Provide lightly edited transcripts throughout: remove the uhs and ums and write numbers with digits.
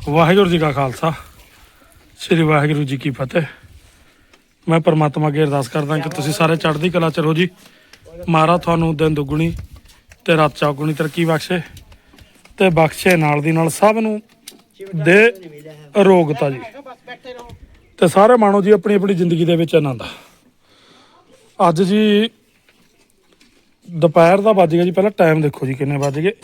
ਵਾਹਿਗੁਰੂ ਜੀ ਕਾ ਖਾਲਸਾ ਸ੍ਰੀ ਵਾਹਿਗੁਰੂ ਜੀ ਕੀ ਫਤਿਹ। ਮੈਂ ਪਰਮਾਤਮਾ ਅੱਗੇ ਅਰਦਾਸ ਕਰਦਾ ਕਿ ਤੁਸੀਂ ਸਾਰੇ ਚੜ੍ਹਦੀ ਕਲਾ ਚ ਰਹੋ ਜੀ। ਮਹਾਰਾਜ ਤੁਹਾਨੂੰ ਦਿਨ ਦੁੱਗਣੀ ਤੇ ਰਾਤ ਚੌਗੁਣੀ ਤਰੱਕੀ ਬਖਸ਼ੇ ਤੇ ਬਖਸ਼ੇ ਨਾਲ ਦੀ ਨਾਲ ਸਭ ਨੂੰ ਦੇ ਅਰੋਗਤਾ ਜੀ। ਤੇ ਸਾਰੇ ਮਾਣੋ ਜੀ ਆਪਣੀ ਆਪਣੀ ਜ਼ਿੰਦਗੀ ਦੇ ਵਿੱਚ ਆਨੰਦ। ਅੱਜ ਜੀ ਦੁਪਹਿਰ ਦਾ ਵੱਜ ਗਿਆ ਜੀ। ਪਹਿਲਾਂ ਟਾਈਮ ਦੇਖੋ ਜੀ ਕਿੰਨੇ ਵੱਜ ਗਏ।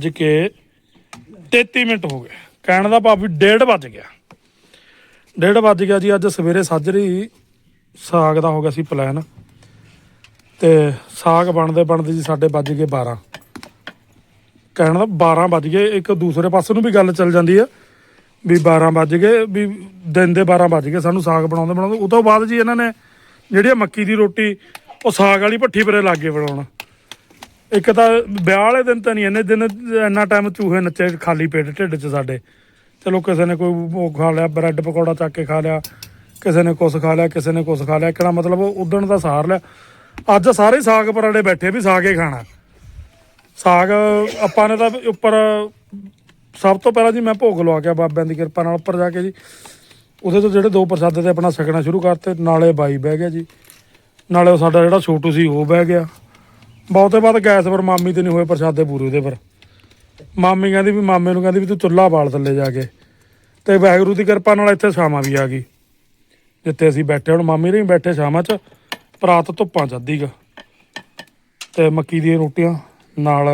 1:33 ਹੋ ਗਏ। ਕਹਿਣ ਦਾ ਭਾਵ ਵੀ 1:30 ਵੱਜ ਗਿਆ। 1:30 ਵੱਜ ਗਿਆ ਜੀ। ਅੱਜ ਸਵੇਰੇ ਸਾਜਰੀ ਸਾਗ ਦਾ ਹੋ ਗਿਆ ਸੀ ਪਲਾਨ ਤੇ ਸਾਗ ਬਣਦੇ ਜੀ ਸਾਡੇ ਵੱਜ ਗਏ 12। ਕਹਿਣ ਦਾ 12 ਵੱਜ ਗਏ। ਇੱਕ ਦੂਸਰੇ ਪਾਸੇ ਨੂੰ ਵੀ ਗੱਲ ਚੱਲ ਜਾਂਦੀ ਆ ਵੀ 12 ਵੱਜ ਗਏ ਵੀ ਦਿਨ ਦੇ 12 ਵੱਜ ਗਏ ਸਾਨੂੰ ਸਾਗ ਬਣਾਉਂਦੇ। ਉਹ ਤੋਂ ਬਾਅਦ ਜੀ ਇਹਨਾਂ ਨੇ ਜਿਹੜੀ ਮੱਕੀ ਦੀ ਰੋਟੀ ਉਹ ਸਾਗ ਵਾਲੀ ਭੱਠੀ ਪਰੇ ਲੱਗ ਗਏ ਬਣਾਉਣ। ਇੱਕ ਤਾਂ ਵਿਆਹ ਵਾਲੇ ਦਿਨ ਤਾਂ ਨਹੀਂ ਇੰਨੇ ਦਿਨ ਇੰਨਾ ਟਾਈਮ ਚੂਹੇ ਨੱਚੇ ਖਾਲੀ ਪੇਟ ਢਿੱਡ 'ਚ ਸਾਡੇ। ਚਲੋ ਕਿਸੇ ਨੇ ਕੋਈ ਉਹ ਖਾ ਲਿਆ, ਬਰੈਡ ਪਕੌੜਾ ਚੱਕ ਕੇ ਖਾ ਲਿਆ, ਕਿਸੇ ਨੇ ਕੁਛ ਖਾ ਲਿਆ, ਕਿਸੇ ਨੇ ਕੁਛ ਖਾ ਲਿਆ। ਕਿਹੜਾ ਮਤਲਬ ਉਦਣ ਦਾ ਸਹਾਰ ਲਿਆ। ਅੱਜ ਸਾਰੇ ਸਾਗ ਪਰਾੜੇ ਬੈਠੇ ਵੀ ਸਾਗ ਹੀ ਖਾਣਾ। ਸਾਗ ਆਪਾਂ ਨੇ ਤਾਂ ਉੱਪਰ ਸਭ ਤੋਂ ਪਹਿਲਾਂ ਜੀ ਮੈਂ ਭੋਗ ਲਵਾ ਕੇ ਬਾਬਿਆਂ ਦੀ ਕਿਰਪਾ ਨਾਲ ਉੱਪਰ ਜਾ ਕੇ ਜੀ ਉਹਦੇ ਤੋਂ ਜਿਹੜੇ 2 ਪ੍ਰਸ਼ਾਦੇ ਤੇ ਆਪਣਾ ਛਕਣਾ ਸ਼ੁਰੂ ਕਰਤੇ। ਨਾਲੇ ਬਾਈ ਬਹਿ ਗਿਆ ਜੀ, ਨਾਲੇ ਉਹ ਸਾਡਾ ਜਿਹੜਾ ਛੋਟੂ ਸੀ ਉਹ ਬਹਿ ਗਿਆ। ਬਹੁਤੇ ਬਾਅਦ ਗੈਸ ਪਰ ਮਾਮੀ ਤੇ ਨਹੀਂ ਹੋਏ ਪ੍ਰਸ਼ਾਦੇ ਪੂਰੇ ਉਹਦੇ ਪਰ। ਮਾਮੀ ਕਹਿੰਦੀ ਵੀ ਮਾਮੇ ਨੂੰ ਕਹਿੰਦੀ ਵੀ ਤੂੰ ਚੁੱਲ੍ਹਾ ਬਾਲ ਥੱਲੇ ਜਾ ਕੇ। ਤੇ ਵਾਹਿਗੁਰੂ ਦੀ ਕਿਰਪਾ ਨਾਲ ਇੱਥੇ ਛਾਵਾਂ ਵੀ ਆ ਗਈ ਜਿੱਥੇ ਅਸੀਂ ਬੈਠੇ। ਹੁਣ ਮਾਮੀ ਨਹੀਂ ਬੈਠੇ ਛਾਵਾਂ 'ਚ, ਪਰਾਤ ਧੁੱਪਾਂ 'ਚ ਅੱਧੀ ਕੁ ਤੇ ਮੱਕੀ ਦੀਆਂ ਰੋਟੀਆਂ ਨਾਲ।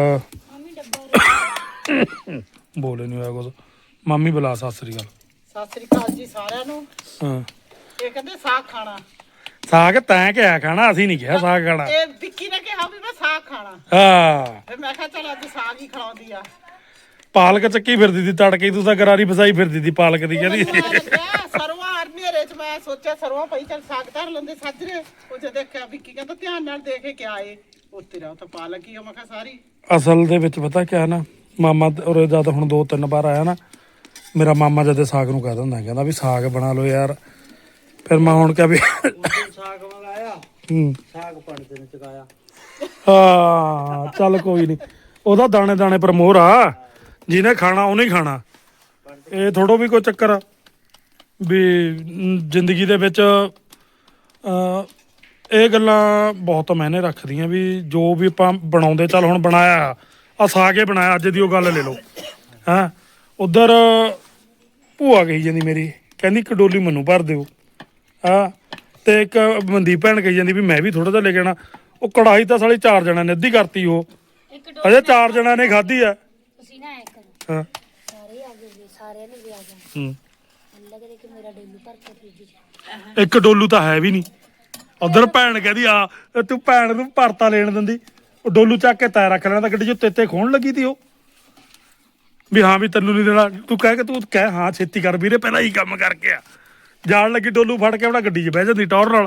ਬੋਲੇ ਨਹੀਂ ਹੋਇਆ ਕੁਝ। ਮਾਮੀ ਬੁਲਾ ਸਤਿ ਸ੍ਰੀ ਅਕਾਲ। ਸਤਿ ਸ੍ਰੀ ਅਕਾਲ ਜੀ ਸਾਰਿਆਂ ਨੂੰ। ਹਾਂ ਇਹ ਕਹਿੰਦੇ ਸਾਗ ਖਾਣਾ। ਸਾਗ ਤੈਂ ਕਿਹਾ ਖਾਣਾ, ਅਸੀਂ ਨਹੀਂ ਕਿਹਾ ਸਾਗ ਖਾਣਾ। ਇਹ ਵਿੱਕੀ ਨੇ ਕਿਹਾ ਵੀ ਮੈਂ ਸਾਗ ਖਾਣਾ। ਹਾਂ ਫਿਰ ਮੈਂ ਕਿਹਾ ਚਲ ਅੱਜ ਸਾਗ ਹੀ ਖਿਲਾਉਂਦੀ ਆ। ਪਾਲਕ ਚੱਕੀ ਫਿਰਦੀ ਸੀ ਤੜਕੇ। ਤੂੰ ਤਾਂ ਗਰਾਰੀ ਫਸਾਈ ਫਿਰਦੀ ਸੀ ਪਾਲਕ ਦੀ ਕਹਿੰਦੀ। ਸਰਵਾ ਹਨੇਰੇ 'ਚ ਮੈਂ ਸੋਚਿਆ ਸਰਵਾ ਪਈ ਚਲ ਸਾਗ ਧਰ ਲੈਂਦੇ ਸਾਜਰੇ। ਉਹ ਜਦ ਦੇਖਿਆ ਵਿੱਕੀ ਕਹਿੰਦਾ ਧਿਆਨ ਨਾਲ ਦੇਖੇ ਕਿਆ ਏ ਉਹ ਤੇਰਾ ਉਹ ਤਾਂ ਪਾਲਕ ਹੀ ਆ। ਮੈਂ ਕਿਹਾ ਸਾਰੀ ਅਸਲ ਦੇ ਵਿੱਚ ਪਤਾ ਕਿਆ ਨਾ, ਮਾਮਾ ਉਰੇ ਜਦ ਹੁਣ 2-3 ਵਾਰ ਆਇਆ ਨਾ, ਮੇਰਾ ਮਾਮਾ ਜਦ ਸਾਗ ਨੂੰ ਕਹਿ ਦਿੰਦਾ ਕਹਿੰਦਾ ਵੀ ਸਾਗ ਬਣਾ ਲਓ ਯਾਰ। ਫਿਰ ਮੈਂ ਹੁਣ ਕਿਹਾ ਵੀ ਸਾਗ ਮੰਗਾਇਆ ਸਾਗ ਪੜਦੇ ਨੇ ਚਕਾਇਆ। ਹਾਂ ਚੱਲ ਕੋਈ ਨਹੀਂ, ਉਹਦਾ ਦਾਣੇ ਦਾਣੇ ਪਰ ਮੋਹਰ ਆ। ਜਿਹਨੇ ਖਾਣਾ ਉਹਨੇ ਹੀ ਖਾਣਾ। ਇਹ ਥੋੜੋ ਵੀ ਕੋਈ ਚੱਕਰ ਆ ਵੀ ਜ਼ਿੰਦਗੀ ਦੇ ਵਿੱਚ ਇਹ ਗੱਲਾਂ ਬਹੁਤ ਮਾਇਨੇ ਰੱਖਦੀਆਂ ਵੀ ਜੋ ਵੀ ਆਪਾਂ ਬਣਾਉਂਦੇ। ਚੱਲ ਹੁਣ ਬਣਾਇਆ ਆ ਸਾਗ ਹੀ ਬਣਾਇਆ ਅੱਜ ਦੀ ਉਹ ਗੱਲ ਲੈ ਲਓ। ਹੈਂ ਉੱਧਰ ਭੂਆ ਕਹੀ ਜਾਂਦੀ ਮੇਰੀ, ਕਹਿੰਦੀ ਇੱਕ ਡੋਲੀ ਮੈਨੂੰ ਭਰ ਦਿਓ। ਹਾਂ ਤੇ ਇੱਕ ਮਨਦੀਪ ਭੈਣ ਕਹੀ ਜਾਂਦੀ ਵੀ ਮੈਂ ਵੀ ਥੋੜਾ ਜਿਹਾ ਲੈ ਕੇ ਆਉਣਾ। ਉਹ ਕੜਾਹੀ ਤਾਂ ਸਾਲੀ 4 ਜਣਿਆਂ ਨੇ ਅੱਧੀ ਕਰਤੀ। ਉਹ ਅਜੇ 4 ਜਣਿਆਂ ਨੇ ਖਾਧੀ ਆ। ਤੁਸੀਂ ਨਾ ਐ ਕਰੋ, ਹਾਂ ਸਾਰੇ ਆ ਗਏ, ਸਾਰਿਆਂ ਨੇ ਵੀ ਆ ਜਾਣਾ। ਅੱਲਾ ਕਰੇ ਕਿ ਮੇਰਾ ਡੋਲੂ ਭਰ ਕੇ ਫ੍ਰਿਜ 'ਚ। ਇੱਕ ਡੋਲੂ ਤਾਂ ਹੈ ਵੀ ਨਹੀਂ। ਉਧਰ ਭੈਣ ਕਹਿੰਦੀ ਆ ਤੂੰ ਭੈਣ ਨੂੰ ਭਰਤਾ ਲੈਣ ਦਿੰਦੀ। ਉਹ ਡੋਲੂ ਚੱਕ ਕੇ ਤੈ ਰੱਖ ਲੈਣਾ ਤਾਂ ਗੱਡੀ 'ਚ ਤੇਤੇ ਖੋਣ ਲੱਗੀ ਤੀ ਉਹ ਵੀ ਹਾਂ ਵੀ ਤੈਨੂੰ ਨਹੀਂ ਦੇਣਾ। ਤੂੰ ਕਹਿ ਕੇ ਤੂੰ ਕਹਿ ਹਾਂ ਛੇਤੀ ਕਰ ਵੀਰੇ ਪਹਿਲਾਂ ਹੀ ਕੰਮ ਕਰਕੇ ਆ। ਜਾਣ ਲੱਗੀ ਡੋਲੂ ਫੜ ਕੇ ਆਪਣਾ ਗੱਡੀ 'ਚ ਬਹਿ ਜਾਂਦੀ ਟੌਰ ਨਾਲ।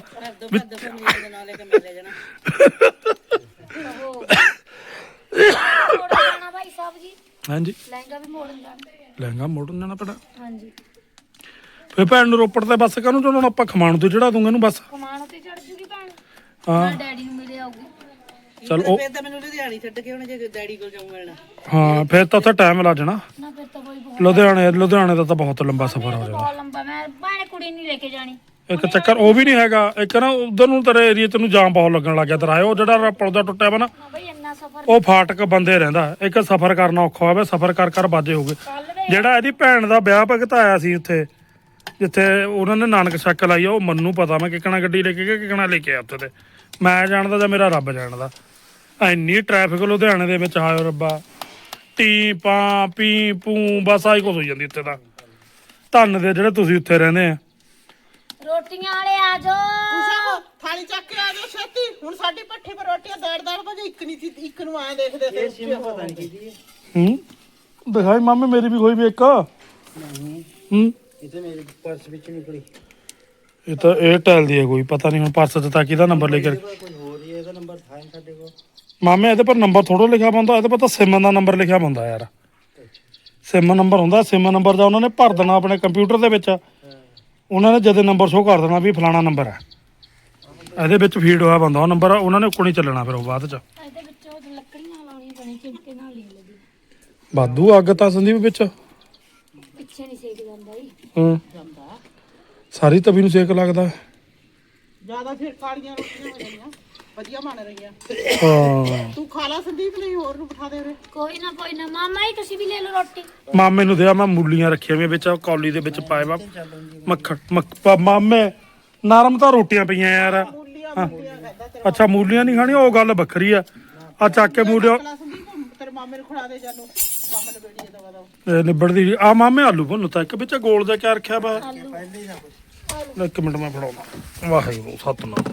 ਭਾਈ ਸਾਹਿਬ ਜੀ ਹਾਂਜੀ ਲਹਿੰਗਾ ਵੀ ਮੋੜਨ ਜਾਣਾ। ਲਹਿੰਗਾ ਮੋੜਨ ਜਾਣਾ ਪੈਣਾ। ਹਾਂਜੀ ਫਿਰ ਭੈਣ ਨੂੰ ਰੋਪੜ ਤੇ ਬੱਸ ਕਾਹਨੂੰ ਚੜਾਉਣਾ ਆਪਾਂ? ਖਮਾਣੋਂ ਤੇ ਚੜਾ ਦੂੰਗਾ ਇਹਨੂੰ ਬੱਸ। ਕਮਾਨ ਤੇ ਚੜ ਜੂਗੀ ਭੈਣ। ਹਾਂ ਡੈਡੀ ਨੂੰ ਮਿਲੇ ਆਉਗੀ। ਚਲ ਉਹ ਫਿਰ ਤਾਂ ਮੈਨੂੰ ਲੁਧਿਆਣੇ ਛੱਡ ਕੇ ਹੁਣ ਜੇ ਡੈਡੀ ਕੋਲ ਜਾਊਂਗਾ। ਹਾਂ ਫਿਰ ਤਾਂ ਉੱਥੇ ਟਾਈਮ ਲੱਗ ਜਾਣਾ। ਨਾ ਫਿਰ ਤਾਂ ਕੋਈ ਬਹੁਤ ਲੁਧਿਆਣੇ ਦਾ ਤਾਂ ਬਹੁਤ ਲੰਬਾ ਸਫ਼ਰ ਹੋ ਜਾਣਾ। ਬਹੁਤ ਲੰਬਾ। ਮੈਂ ਭਾਣੇ ਕੁੜੀ ਨਹੀਂ ਲੈ ਕੇ ਜਾਣੀ। ਇੱਕ ਚੱਕਰ ਉਹ ਵੀ ਨਹੀਂ ਹੈਗਾ। ਇੱਕ ਨਾ ਉਧਰ ਨੂੰ ਤੇਰੇ ਏਰੀਏ ਤੈਨੂੰ ਜਾਮ ਬਹੁਤ ਲੱਗਣ ਲੱਗ ਗਿਆ। ਤੇਰਾ ਉਹ ਜਿਹੜਾ ਪੁਲ ਦਾ ਟੁੱਟਿਆ ਵਾ ਨਾ, ਨਾ ਬਈ ਇੰਨਾ ਸਫ਼ਰ ਉਹ ਫਾਟਕ ਬੰਦੇ ਰਹਿੰਦਾ। ਇੱਕ ਸਫ਼ਰ ਕਰਨਾ ਔਖਾ ਹੋਵੇ। ਸਫ਼ਰ ਕਰ ਬਾਜੇ ਹੋ ਗਏ। ਜਿਹੜਾ ਇਹਦੀ ਭੈਣ ਦਾ ਵਿਆਹ ਭਗਤਾਇਆ ਸੀ ਉੱਥੇ ਜਿੱਥੇ ਉਹਨਾਂ ਨੇ ਨਾਨਕ ਛੱਕ ਲਾਈ ਆ, ਉਹ ਮੈਨੂੰ ਪਤਾ ਮੈਂ ਕਿੱਕਣਾ ਗੱਡੀ ਲੈ ਕੇ ਗਿਆ ਕਿੱਕਣਾ ਲੈ ਕੇ ਆ ਉੱਥੇ। ਤੇ ਮੈਂ ਜਾਣਦਾ ਜਾਂ ਮੇਰਾ ਰੱਬ ਜਾਣਦਾ। ਇੰਨੀ ਟ੍ਰੈਫਿਕ ਲੁਧਿਆਣੇ ਦੇ ਵਿੱਚ। ਹਾਏ ਰੱਬਾ, ਟੀ ਪਾਂ ਪੀ ਪੂ ਬਸ ਆਹੀ ਕੁਛ ਹੋਈ ਜਾਂਦੀ ਉੱਥੇ ਤਾਂ। ਧੰਨ ਦੇ ਜਿਹੜੇ ਤੁਸੀਂ ਉੱਥੇ ਰਹਿੰਦੇ ਆ। ਰੋਟੀਆਂ ਵਾਲੇ ਆ ਜਾਓ। ਥਾਲੀ ਚੱਕ ਕੇ ਆ ਜਾਓ ਛੇਤੀ। ਹੁਣ ਸਾਡੀ ਭੱਠੀ ਪਰ ਰੋਟੀਆਂ ਦੜ ਵਜੇ ਇੱਕ ਨਹੀਂ ਸੀ, ਇੱਕ ਨੂੰ ਆਏ ਦੇਖਦੇ ਸੀ। ਪਤਾ ਨਹੀਂ ਕੀ ਦਿਖਾਈ ਮਾਮੇ ਮੇਰੀ ਵੀ ਹੋਈ ਵੀ ਇੱਕ। ਇਹ ਤਾਂ ਮੇਰੇ ਪਰਸ ਵਿੱਚ ਨਿਕਲੀ। ਇਹ ਤਾਂ ਏਅਰਟੈਲ ਦੀ ਹੈ ਕੋਈ ਪਤਾ ਨਹੀਂ ਹੁਣ ਪਰਸ 'ਚ ਤਾਂ ਕਿਹਦਾ ਨੰਬਰ ਲੈ ਕੇ। ਕੋਈ ਹੋਰ ਹੀ ਇਹਦਾ ਨੰਬਰ ਥਾ ਸਾਡੇ ਕੋਲ। ਮਾਮੇ ਇਹਦੇ ਪਰ ਨੰਬਰ ਥੋੜ੍ਹਾ ਲਿਖਿਆ ਹੁੰਦਾ। ਇਹਦੇ ਪਰ ਤਾਂ ਸਿਮ ਦਾ ਨੰਬਰ ਲਿਖਿਆ ਹੁੰਦਾ ਯਾਰ। ਸਿਮ ਨੰਬਰ ਹੁੰਦਾ। ਸਿਮ ਨੰਬਰ ਦਾ ਉਹਨਾਂ ਨੇ ਭਰ ਦੇਣਾ ਆਪਣੇ ਕੰਪਿਊਟਰ ਦੇ ਵਿੱਚ। ਉਹਨਾਂ ਨੇ ਜਦੇ ਨੰਬਰ ਸ਼ੋਅ ਕਰ ਦੇਣਾ ਵੀ ਫਲਾਣਾ ਨੰਬਰ ਹੈ। ਇਹਦੇ ਵਿੱਚ ਫੀਡ ਹੋਇਆ ਬੰਦਾ ਉਹ ਨੰਬਰ। ਉਹਨਾਂ ਨੇ ਉੱਕਣੀ ਚੱਲਣਾ ਫਿਰ ਉਹ ਬਾਅਦ 'ਚ। ਇਹਦੇ ਵਿੱਚ ਉਹ ਲੱਕੜੀਆਂ ਲਾਉਣੀ ਬਣੀ ਚਿਮਕੇ ਨਾਲ ਨਹੀਂ ਲੱਗੀ। ਵਾਧੂ ਅੱਗ ਤਾਂ ਸੰਦੀਪ ਵਿੱਚ। ਪਿੱਛੇ ਨਹੀਂ ਸੇਕ ਜਾਂਦਾ ਜੀ। ਜਾਂਦਾ ਸਾਰੀ ਤਵੀ ਨੂੰ ਸੇਕ ਲੱਗਦਾ। ਜਿਆਦਾ ਫਿਰ ਕਾਲੀਆਂ ਰੋਟੀਆਂ ਹੋ ਜਾਣੀਆਂ ਵਧੀਆ ਬਣ ਰਹੀਆਂ। ਹਾਂ ਤੂੰ ਖਾ ਲਾ ਸੰਦੀਪ ਲਈ ਹੋਰ ਨੂੰ ਬਿਠਾ ਦੇ ਉਰੇ। ਕੋਈ ਨਾ ਮਾਮਾ ਜੀ ਤੁਸੀਂ ਵੀ ਲੈ ਲਓ ਰੋਟੀ। ਮਾਮੇ ਨੂੰ ਦਿਆ ਮੈਂ ਮੂਲੀਆਂ ਰੱਖੀਆਂ ਵੀ ਵਿੱਚ ਕੌਲੀ ਦੇ ਵਿੱਚ ਪਾਏ ਵਾ ਮੱਖਣ ਮਾਮੇ ਨਰਮ ਤਾਂ ਰੋਟੀਆਂ ਪਈਆਂ ਯਾਰ। ਮੂਲੀਆਂ ਖਾਦਾ ਤੇਰਾ ਅੱਛਾ ਮੂਲੀਆਂ ਨਹੀਂ ਖਾਣੀਆਂ ਉਹ ਗੱਲ ਵੱਖਰੀ ਆ ਚੱਕ ਕੇ ਮੂਲੀਆਂ ਸੰਦੀਪ ਤੇਰੇ ਮਾਮੇ ਨੂੰ ਖੜਾ ਦੇ ਜਾਨੂੰ ਮਾਮੇ ਨੂੰ ਬੇੜੀ ਦਵਾ ਦਵਾ। ਨਿਬੜਦੀ ਆ ਮਾਮੇ ਆਲੂ ਭੁੰਨ ਤਾਂ ਇੱਕ ਵਿੱਚ ਗੋਲ ਜਿਹਾ ਕਿਆ ਰੱਖਿਆ ਵਾ। ਇੱਕ ਮਿੰਟ ਮੈਂ ਫੜਾਉਣਾ ਵਾਹਿਗੁਰੂ ਸਤਨਾਮ।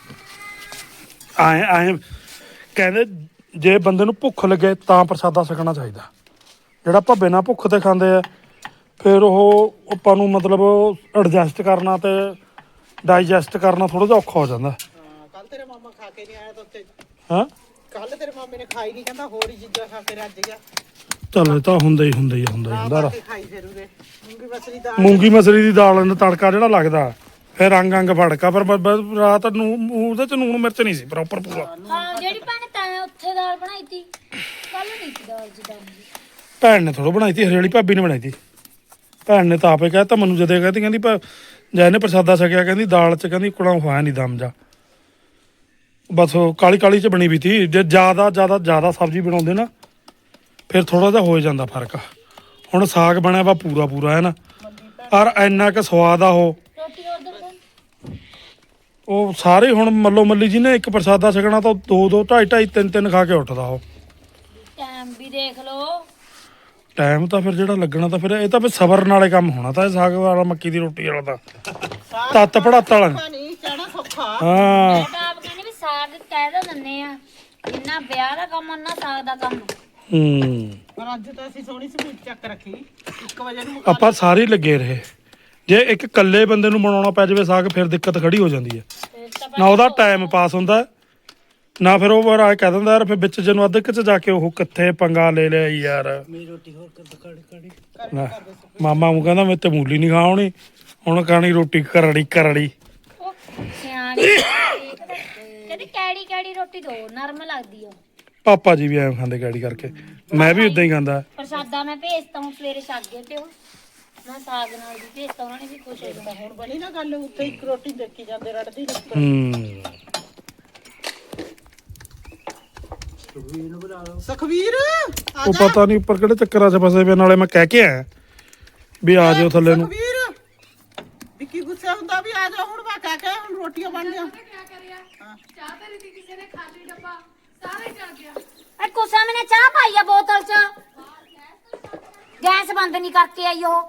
ਆਏ ਕਹਿੰਦੇ ਜੇ ਬੰਦੇ ਨੂੰ ਭੁੱਖ ਲੱਗੇ ਤਾਂ ਪ੍ਰਸਾਦਾ ਛਕਣਾ ਚਾਹੀਦਾ। ਜਿਹੜਾ ਆਪਾਂ ਬਿਨਾਂ ਭੁੱਖ ਤੇ ਖਾਂਦੇ ਆ ਫਿਰ ਉਹ ਆਪਾਂ ਨੂੰ ਮਤਲਬ ਐਡਜਸਟ ਕਰਨਾ ਤੇ ਡਾਈਜੈਸਟ ਕਰਨਾ ਥੋੜਾ ਜਿਹਾ ਔਖਾ ਹੋ ਜਾਂਦਾ। ਹਾਂ ਕੱਲ ਤੇਰੇ ਮਾਮਾ ਖਾ ਕੇ ਨਹੀਂ ਆਇਆ ਤਾਂ ਉੱਤੇ। ਹਾਂ ਕੱਲ ਤੇਰੇ ਮਾਮੇ ਨੇ ਖਾਈ ਨਹੀਂ ਕਹਿੰਦਾ ਹੋਰ ਹੀ ਚੀਜ਼ਾਂ ਖਾ ਕੇ ਰੱਜ ਗਿਆ। ਚੱਲ ਇਹ ਤਾਂ ਹੁੰਦਾ ਹੀ ਹੁੰਦਾ ਖਾਈ ਫਿਰ ਉਰੇ ਮੂੰਗੀ ਮਸਰੀ ਦਾ ਮੂੰਗੀ ਮਸਰੀ ਦੀ ਦਾਲ ਨੂੰ ਤੜਕਾ ਜਿਹੜਾ ਲੱਗਦਾ ਫਿਰ ਅੰਗ ਫੜਕਾ ਪਰ ਰਾਤ ਨੂੰ ਉਹਦੇ ਚ ਨੂਣ ਮਿਰਚ ਨਹੀਂ ਸੀ ਪ੍ਰੋਪਰ ਪੂਰਾ। ਹਾਂ ਜਿਹੜੀ ਭੈਣ ਤੈਂ ਉੱਥੇ ਦਾਲ ਬਣਾਈ ਤੀ ਕੱਲ ਨਹੀਂ ਸੀ ਦਾਲ ਜਿੱਦਾਂ ਦੀ। ਭੈਣ ਨੇ ਥੋੜਾ ਬਣਾਈ ਤੀ ਹਰਿਆਲੀ ਭਾਬੀ ਨੇ ਬਣਾਈ ਤੀ। ਭੈਣ ਨੇ ਤਾਂ ਆਪੇ ਕਹਿਤਾ ਮੈਨੂੰ ਜਦੇ ਕਹਿੰਦੀ ਜੈ ਨੇ ਪ੍ਰਸਾਦਾ ਛਕਿਆ ਕਹਿੰਦੀ ਦਾਲ ਚ ਕਹਿੰਦੀ ਕੁੜਾ ਹੋਇਆ ਨਹੀਂ ਦਮ ਜਾ ਬਸ ਕਾਲੀ ਕਾਲੀ ਚ ਬਣੀ ਵੀ ਤੀ। ਜੇ ਜ਼ਿਆਦਾ ਸਬਜ਼ੀ ਬਣਾਉਂਦੇ ਨਾ ਫਿਰ ਥੋੜਾ ਜਿਹਾ ਹੋ ਜਾਂਦਾ ਫਰਕ। ਹੁਣ ਸਾਗ ਬਣਿਆ ਵਾ ਪੂਰਾ ਹੈ ਨਾ ਔਰ ਇੰਨਾ ਕੁ ਸਵਾਦ ਆ ਰੋਟੀ ਉਧਰ ਤੋਂ ਉਹ ਸਾਰੇ ਹੁਣ ਮੱਲੋ ਮੱਲੀ ਜੀ ਨੇ ਇੱਕ ਪ੍ਰਸਾਦਾ ਛਕਣਾ ਤਾਂ 2 2.5 3 ਖਾ ਕੇ ਉੱਠਦਾ ਉਹ। ਟਾਈਮ ਵੀ ਦੇਖ ਲਓ। ਟਾਈਮ ਤਾਂ ਫਿਰ ਜਿਹੜਾ ਲੱਗਣਾ ਤਾਂ ਫਿਰ ਇਹ ਤਾਂ ਫਿਰ ਸਬਰ ਨਾਲੇ ਕੰਮ ਹੋਣਾ ਤਾਂ ਇਹ ਸਾਗ ਵਾਲਾ ਮੱਕੀ ਦੀ ਰੋਟੀ ਵਾਲਾ ਤਾਂ ਤੱਤ ਪੜਾਤ ਵਾਲਾ ਨਹੀਂ ਕਹਿਣਾ ਸੌਖਾ। ਹਾਂ ਮੈਂ ਤਾਂ ਆਪ ਕਹਿੰਦੀ ਵੀ ਸਾਗ ਕਹਿ ਤਾਂ ਦਿੰਦੇ ਆ ਜਿੰਨਾ ਵਿਆਹ ਦਾ ਕੰਮ ਉਹਨਾਂ ਸਾਗ ਦਾ ਕੰਮ। ਪਰ ਅੱਜ ਤਾਂ ਅਸੀਂ ਸੋਹਣੀ ਸਵੀਟ ਚੱਕ ਰੱਖੀ 1 ਵਜੇ ਨੂੰ ਆਪਾਂ ਸਾਰੇ ਹੀ ਲੱਗੇ ਰਹੇ। ਜੇ ਇੱਕ ਇਕੱਲੇ ਬੰਦੇ ਨੂੰ ਬਣਾਉਣਾ ਪੈ ਜਾਵੇ ਸਾਗ ਫਿਰ ਦਿੱਕਤ ਖੜੀ ਹੋ ਜਾਂਦੀ ਹੈ। ਫਿਰ ਤਾਂ ਨਾ ਉਹਦਾ ਟਾਈਮ ਪਾਸ ਹੁੰਦਾ ਨਾ ਫਿਰ ਉਹ ਆ ਕਹਿ ਦਿੰਦਾ ਯਾਰ ਫਿਰ ਵਿੱਚ ਜਿਹਨੂੰ ਅੱਧ ਚ ਜਾ ਕੇ ਉਹ ਕਿੱਥੇ ਪੰਗਾ ਲੈ ਲਿਆ ਯਾਰ। ਮਾਮਾ ਨੂੰ ਕਹਿੰਦਾ ਮੈਂ ਤੇ ਮੂਲੀ ਨਹੀਂ ਖਾਣੀ ਹੁਣ ਖਾਣੀ ਰੋਟੀ ਕਰੜੀ। ਉਹ ਸਿਆਣੀ ਕਹਿੰਦੀ ਕੈੜੀ ਰੋਟੀ ਦੋ ਨਰਮ ਲੱਗਦੀ ਆ। ਪਾਪਾ ਜੀ ਵੀ ਐਂ ਖਾਂਦੇ ਗਾੜੀ ਕਰਕੇ ਮੈਂ ਵੀ ਉਦਾਂ ਹੀ ਖਾਂਦਾ। ਪ੍ਰਸਾਦਾ ਮੈਂ ਭੇਜਤਾ ਹੁਣ ਸਵੇਰੇ ਛੱਕ ਗਏ ਤੇ ਉਹ ਮੈਂ ਸਾਗ ਨਾਲ ਵੀ ਭੇਜਤਾ ਉਹਨਾਂ ਨੇ ਵੀ ਖੁਸ਼ ਹੋ ਜਾਣਾ। ਹੁਣ ਬਣੀ ਨਾ ਗੱਲ ਉੱਤੇ ਇੱਕ ਰੋਟੀ ਦੇਖੀ ਜਾਂਦੇ ਰੜਦੀ ਲੱਗ। ਸੁਖਵੀਰ ਉਹ ਪਤਾ ਨਹੀਂ ਉੱਪਰ ਕਿਹੜੇ ਚੱਕਰਾਂ 'ਚ ਫਸੇ ਪਏ ਨਾਲੇ ਮੈਂ ਕਹਿ ਕੇ ਆਇਆ ਵੀ ਆ ਜਾਓ ਥੱਲੇ ਨੂੰ। ਸੁਖਵੀਰ ਵਿੱਕੀ ਗੁੱਸੇ ਹੁੰਦਾ ਵੀ ਆ ਜਾ ਹੁਣ ਮੈਂ ਕਹਿ ਕੇ ਹੁਣ ਰੋਟੀਆਂ ਬਣ ਗਿਆ। ਚਾਹ ਤੇਰੀ ਦੀ ਕਿਸੇ ਨੇ ਖਾਲੀ ਡੱਬਾ ਸਾਰੇ ਚੜ ਗਿਆ। ਐ ਕੋਸਾ ਮੈਨੇ ਚਾਹ ਪਾਈ ਆ ਬੋਤਲ 'ਚ ਗੈਸ ਬੰਦ ਨਹੀਂ ਕਰਕੇ ਆਈ ਉਹ।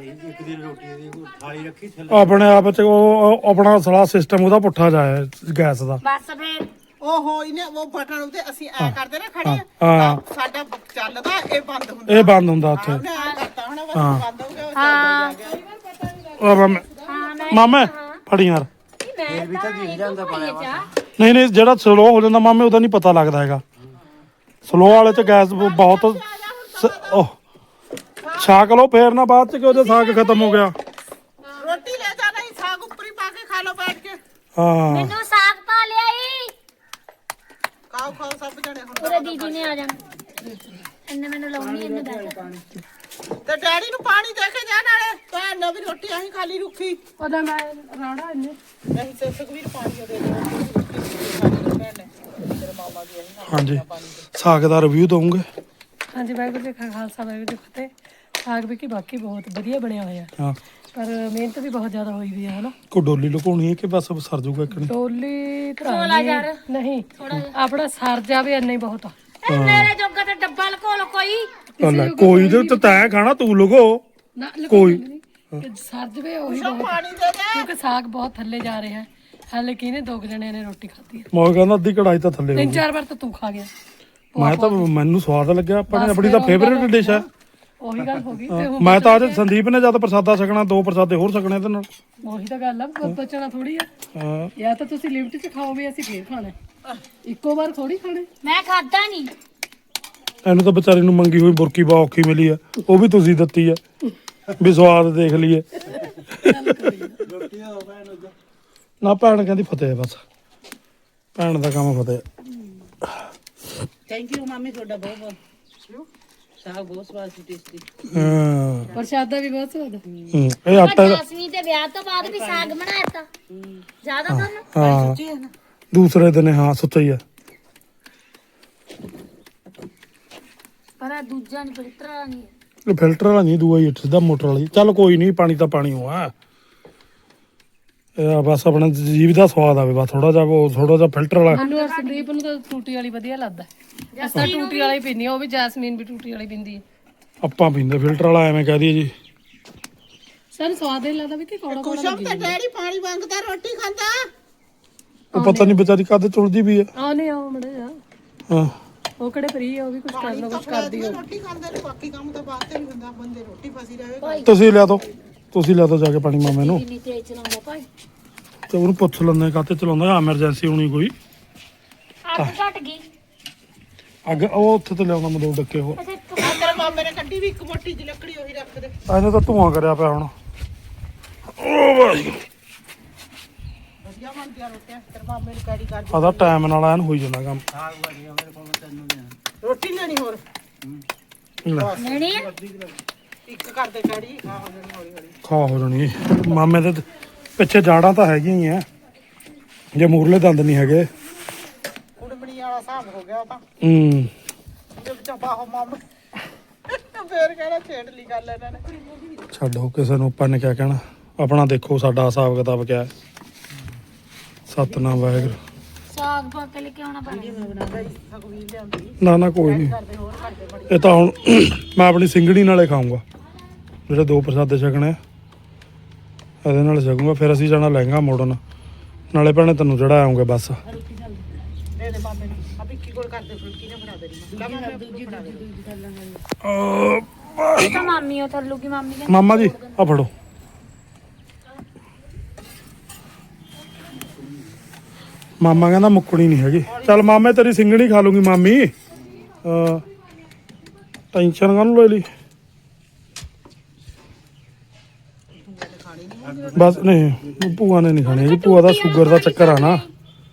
ਆਪਣੇ ਆਪ 'ਚ ਉਹ ਆਪਣਾ ਸਾਰਾ ਸਿਸਟਮ ਉਹਦਾ ਪੁੱਠਾ ਜਾਏ ਗੈਸ ਦਾ। ਬਸ ਫੇਰ ਓਹੋ ਇਹਨੇ ਉਹ ਬਟਨ ਉੱਤੇ ਅਸੀਂ ਐ ਕਰਦੇ ਨਾ ਖੜੇ ਹਾਂ। ਸਾਡਾ ਚੱਲਦਾ ਇਹ ਬੰਦ ਹੁੰਦਾ। ਇਹ ਬੰਦ ਹੁੰਦਾ ਉੱਥੇ। ਉਹਨੇ ਐ ਕਰਤਾ ਹੁਣ ਬਸ ਬੰਦ ਹੋ ਗਿਆ ਉਹ ਚੱਲਦਾ ਹੀ ਆ ਗਿਆ। ਉਹ ਮਾਮੇ ਹਾਂ ਮੈਂ ਮਾਮੇ ਫੜੀ ਯਾਰ ਮੈਂ ਵੀ ਤਾਂ ਦਿਖ ਜਾਂਦਾ ਪਾਇਆ ਨਹੀਂ ਜਿਹੜਾ ਸਲੋ ਹੋ ਜਾਂਦਾ ਮਾਮੇ ਉਹਦਾ ਨਹੀਂ ਪਤਾ ਲੱਗਦਾ ਹੈਗਾ। ਸਲੋ ਵਾਲੇ 'ਚ ਗੈਸ ਬਹੁਤ ਉਹ ਛਾਕ ਲਓ ਫੇਰ ਨਾ ਬਾਅਦ 'ਚ ਕਿ ਉਹਦੇ ਸਾਗ ਖਤਮ ਹੋ ਗਿਆ। ਰੋਟੀ ਲੈ ਜਾ ਨਹੀਂ ਸਾਗ ਉੱਪਰ ਹੀ ਪਾ ਕੇ ਖਾ ਲਓ ਬੈਠ ਕੇ। ਹਾਂ ਮੈਨੂੰ ਸਾਗ ਪਾ ਲਿਆਈ। ਖਾਓ ਸਭ ਜਣੇ ਹੁਣ ਪੂਰੇ ਦੀਦੀ ਨੇ ਆ ਜਾਣਾ ਇਹਨੇ ਮੈਨੂੰ ਲਾਉਣੀ ਇਹਨੇ ਬੈਠ। ਤੇ ਡੈਡੀ ਨੂੰ ਪਾਣੀ ਦੇ ਕੇ ਜਾ ਨਾਲੇ ਭੈਣ ਨੇ ਵੀ ਰੋਟੀ ਆਹੀ ਖਾਲੀ ਰੁੱਖੀ। ਉਹਦਾ ਮੈਂ ਰੌੜਾ ਇਹਨੇ ਨਹੀਂ ਤੇ ਸੁਖਵੀਰ ਪਾਣੀ ਦੇ ਦੇ ਭੈਣ ਨੇ ਤੇਰੇ ਮਾਮਾ ਦੀ ਆਹੀ ਹਾਂਜੀ ਸਾਗ ਦਾ ਰਿਵਿਊ ਦਊਂਗੇ। ਹਾਂਜੀ ਵਾਹਿਗੁਰੂ ਜੀ ਕਾ ਖਾਲਸਾ ਵਾਹਿਗੁਰੂ ਜੀ ਕੀ ਫਤਿਹ। ਸਾਗ ਵੀ ਕੀ ਬਾਕੀ ਬਹੁਤ ਵਧੀਆ ਬਣਿਆ ਹੋਇਆ ਹਾਂ ਪਰ ਮਿਹਨਤ ਵੀ ਬਹੁਤ ਜ਼ਿਆਦਾ ਹੋਈ ਵੀ ਹੈ ਹਨਾ। ਕੋ ਡੋਲੀ ਲੁਕਾਉਣੀ ਹੈ ਕਿ ਬਸ ਸਰ ਜੂਗਾ ਇੱਕ ਨਹੀਂ। ਡੋਲੀ ਥੋੜਾ ਯਾਰ ਨਹੀਂ ਆਪਣਾ ਸਰ ਜਾਵੇ ਇੰਨਾ ਹੀ ਬਹੁਤ ਆ। ਇਹ ਮੇਰੇ ਜੋਗਾ ਤੇ ਡੱਬਾ ਲਕੋ ਲੋ ਕੋਈ। ਕੋਈ ਤੇ ਤੈਂ ਖਾਣਾ ਤੂੰ ਲੁਕੋ ਨਾ ਕੋਈ ਸਰ ਜਵੇ ਉਹੀ ਬਹੁਤ ਆ। ਪਾਣੀ ਦੇ ਦੇ। ਕਿਉਂਕਿ ਸਾਗ ਬਹੁਤ ਥੱਲੇ ਜਾ ਰਿਹਾ ਹੈ। ਹਾਲੇ ਕਿਹਨੇ 2 ਜਣਿਆਂ ਨੇ ਰੋਟੀ ਖਾਧੀ ਹੈ। ਮੈਂ ਕਹਿੰਦਾ ਅੱਧੀ ਕੜਾਈ ਤਾਂ ਥੱਲੇ ਹੋ ਗਈ। 3-4 ਵਾਰ ਤਾਂ ਤੂੰ ਖਾ ਗਿਆ। ਮੈਂ ਤਾਂ ਮੈਨੂੰ ਸਵਾਦ ਲੱਗਿਆ ਆਪਣੀ ਤਾਂ ਫੇਵਰੇਟ ਡਿਸ਼ ਹੈ। ਉਹੀ ਗੱਲ ਹੋ ਗਈ ਤੇ ਹੁਣ ਮੈਂ ਤਾਂ ਅੱਜ ਸੰਦੀਪ ਨੇ ਜਦ ਪ੍ਰਸਾਦਾ ਛਕਣਾ 2 ਪ੍ਰਸਾਦੇ ਹੋਰ ਛਕਣੇ ਇਹਦੇ ਨਾਲ। ਉਹੀ ਤਾਂ ਗੱਲ ਆ ਬਚਣਾ ਥੋੜੀ ਆ। ਹਾਂ ਜਾਂ ਤਾਂ ਤੁਸੀਂ ਲਿਮਟ 'ਚ ਖਾਓ ਵੀ ਅਸੀਂ ਫੇਰ ਖਾਣਾ ਇੱਕੋ ਵਾਰ ਥੋੜੀ ਖਾਣੇ। ਮੈਂ ਖਾਦਾ ਨਹੀਂ। ਇਹਨੂੰ ਤਾਂ ਵਿਚਾਰੀ ਨੂੰ ਮੰਗੀ ਹੋਈ ਬੁਰਕੀ ਬਹੁਤ ਔਖੀ ਮਿਲੀ ਆ ਉਹ ਵੀ ਤੁਸੀਂ ਦਿੱਤੀ ਆ ਵੀ ਸਵਾਦ ਦੇਖ ਲਈਏ। ਨਾ ਭੈਣ ਕਹਿੰਦੀ ਫਤਿਹ ਬਸ ਭੈਣ ਦਾ ਕੰਮ ਫਤਿਹ। ਥੈਂਕ ਯੂ ਮਾਮੀ ਤੁਹਾਡਾ ਬਹੁਤ ਬਹੁਤ ਸਾਗ ਬਹੁਤ ਸਵਾਦ ਸੀ ਟੇਸਟੀ। ਹਾਂ ਪ੍ਰਸ਼ਾਦਾ ਵੀ ਬਹੁਤ ਸਵਾਦ ਇਹ ਆਟਾ ਜਸਮੀ ਦੇ ਵਿਆਹ ਤੋਂ ਬਾਅਦ ਵੀ ਸਾਗ ਬਣਾਇਆ ਤਾਂ ਜ਼ਿਆਦਾ ਤਾਂ ਨਾ ਹਾਂ ਦੂਸਰੇ ਦਿਨ ਹਾਂ ਸੁੱਚਾ ਹੀ ਆ ਪਰ ਆਹ ਦੂਜਾ ਨਹੀਂ ਫਿਲਟਰ ਵਾਲਾ ਨਹੀਂ ਇਹ ਫਿਲਟਰ ਵਾਲਾ ਨਹੀਂ ਦੂਆ ਹੀ ਸਿੱਧਾ ਮੋਟਰ ਵਾਲੀ ਚੱਲ ਕੋਈ ਨਹੀਂ ਪਾਣੀ ਤਾਂ ਪਾਣੀ ਹੋਆ ਇਹ ਬਸ ਆਪਣਾ ਜੀਭ ਦਾ ਸਵਾਦ ਆਵੇ ਬਸ ਥੋੜਾ ਜਿਹਾ ਉਹ ਥੋੜਾ ਜਿਹਾ ਫਿਲਟਰ ਵਾਲਾ ਮੈਨੂੰ ਔਰ ਸੰਦੀਪ ਨੂੰ ਤਾਂ ਟੂਟੀ ਵਾਲੀ ਵਧੀਆ ਲੱਗਦਾ ਅਸਾਂ ਟੂਟੀ ਵਾਲਾ ਹੀ ਪੀਂਦੀ ਆ ਉਹ ਵੀ ਜੈਸਮੀਨ ਵੀ ਟੂਟੀ ਵਾਲੀ ਪੀਂਦੀ ਹੈ ਆਪਾਂ ਪੀਂਦੇ ਫਿਲਟਰ ਵਾਲਾ ਐਵੇਂ ਕਹਿ ਦਈਏ ਜੀ ਸਾਨੂੰ ਸਵਾਦ ਨਹੀਂ ਲੱਗਦਾ ਵੀ ਕਿ ਕੌੜਾ ਕੌੜਾ ਕੁਸ਼ਮ ਤੇ ਡੈਡੀ ਪਾਣੀ ਮੰਗਦਾ ਰੋਟੀ ਖਾਂਦਾ। ਉਹ ਪਤਾ ਨਹੀਂ ਵਿਚਾਰੀ ਕਦ ਚੁਲਦੀ ਵੀ ਆ ਆਨੇ ਆਓ ਮੜੇ ਜਾ ਹਾਂ ਉਹ ਕਿਹੜੇ ਫਰੀ ਆ ਉਹ ਵੀ ਕੁਝ ਕਰਨਾ ਕੁਝ ਕਰਦੀ ਹੋ ਰੋਟੀ ਖਾਂਦੇ ਨੇ ਬਾਕੀ ਕੰਮ ਤਾਂ ਬਾਅਦ ਤੇ ਨਹੀਂ ਹੁੰਦਾ ਬੰਦੇ ਰੋਟੀ ਫਸੀ ਰਹੇ। ਤੁਸੀਂ ਲਿਆ ਦੋ ਜਾ ਕੇ ਪਾਣੀ ਮਾਮੇ ਨੂੰ ਇੰਨੀ ਤੇਜ਼ ਚਲਾਉਂਦਾ ਭਾਈ ਤੇ ਉਹਨੂੰ ਪੁੱਛ ਲੈਂਦੇ ਕਾਤੇ ਚਲਾਉਂਦਾ ਐਮਰਜੈਂਸੀ ਹੋਣੀ ਕੋਈ ਅੱਗ ਘਟ ਗਈ ਅੱਗ ਉਹ ਉੱਥੇ ਤੇ ਲਿਆਉਂਦਾ ਮਦੋਂ ਡੱਕੇ ਉਹ ਅੱਛਾ ਆ ਤੇਰੇ ਮਾਮੇ ਨੇ ਕੱਢੀ ਵੀ ਇੱਕ ਮੋਟੀ ਜਿਹੀ ਲੱਕੜੀ ਉਹੀ ਰੱਖ ਦੇ। ਇਹਨੇ ਤਾਂ ਧੂਆਂ ਕਰਿਆ ਪਿਆ ਹੁਣ ਉਹ ਭਾਈ ਵਧੀਆ ਬਣਦੀਆਂ ਰੋਟੀਆਂ ਤੇਰੇ ਮਾਮੇ ਨੂੰ ਕੈਰੀ ਕਰ ਆਦਾ ਟਾਈਮ ਨਾਲ ਐਨ ਹੋਈ ਜਾਂਦਾ ਕੰਮ ਰੋਟੀ ਲੈਣੀ ਹੋਰ ਨਹੀਂ ਇੱਕ ਕਰਦੇ ਕੈਰੀ ਖਾ ਹੋ ਜਾਣੀ ਹੌਲੀ ਹੌਲੀ। ਖਾ ਹੋ ਜਾਣੀ ਮਾਮੇ ਦੇ ਪਿੱਛੇ ਜਾੜਾਂ ਤਾਂ ਹੈਗੀਆਂ ਹੀ ਆ ਜੇ ਮੂਰਲੇ ਦੰਦ ਨਹੀਂ ਹੈਗੇ ਕੁੜਮਣੀ ਵਾਲਾ ਹਿਸਾਬ ਹੋ ਗਿਆ ਉਹ ਤਾਂ ਹੂੰ ਜੇ ਚਪਾ ਹੋ ਮਾਮਾ ਫੇਰ ਕਹਿਣਾ ਛੇੜ ਲਈ ਗੱਲ ਇਹਨਾਂ ਨੇ। ਛੱਡੋ ਕਿਸੇ ਨੂੰ ਆਪਾਂ ਨੇ ਕਿਆ ਕਹਿਣਾ ਆਪਣਾ ਦੇਖੋ ਸਾਡਾ ਹਿਸਾਬ ਕਿਤਾਬ ਕਿਆ ਹੈ ਸਤਨਾਮ ਵਾਹਿਗੁਰੂ ਸਾਗ ਪਾ ਕੇ ਲੈ ਕੇ ਆਉਣਾ ਪੈਣਾ ਸਗਵੀਰ ਲਿਆਉਂਦੀ ਨਾ ਕੋਈ ਨਹੀਂ ਕਰਦੇ ਹੋਰ ਕਰਦੇ ਬੜੀ ਇਹ ਤਾਂ ਹੁਣ ਮੈਂ ਆਪਣੀ ਸਿੰਗੜੀ ਨਾਲੇ ਖਾਊਂਗਾ ਜਿਹੜੇ ਦੋ ਪ੍ਰਸਾਦੇ ਛਕਣੇ ਆ ਇਹਦੇ ਨਾਲ ਛਕੂੰਗਾ ਫਿਰ ਅਸੀਂ ਜਾਣਾ ਲਹਿੰਗਾ ਮੋੜਨ ਨਾਲੇ ਭੈਣੇ ਤੈਨੂੰ ਜਿਹੜਾ ਆਉਂਗੇ ਬਸ ਦੇ ਦੇ ਮਾਮੇ ਨੂੰ ਆ ਵਿੱਕੀ ਕੋਲ ਕਰਦੇ ਫੁਲਕੀ ਨੇ ਬਣਾ ਦੇਣੀ ਮੈਂ ਮਾਮੇ ਦੂਜੀ ਇਹ ਤਾਂ ਮਾਮੀ ਉਹ ਥੱਲੂ ਕੀ ਮਾਮੀ ਨੇ ਮਾਮਾ ਜੀ ਆ ਫੜੋ ਮਾਮਾ ਕਹਿੰਦਾ ਮੁੱਕਣੀ ਨਹੀਂ ਹੈਗੀ ਚੱਲ ਮਾਮੇ ਤੇਰੀ ਸਿੰਗੜੀ ਖਾ ਲੂੰਗੀ ਮਾਮੀ ਟੈਨਸ਼ਨ ਕਾਹਨੂੰ ਲੈ ਲਈ ਬਸ ਨਹੀਂ ਭੂਆ ਨੇ ਨਹੀਂ ਖਾਣੀ ਜੀ ਭੂਆ ਦਾ ਸ਼ੂਗਰ ਦਾ ਚੱਕਰ ਆ ਨਾ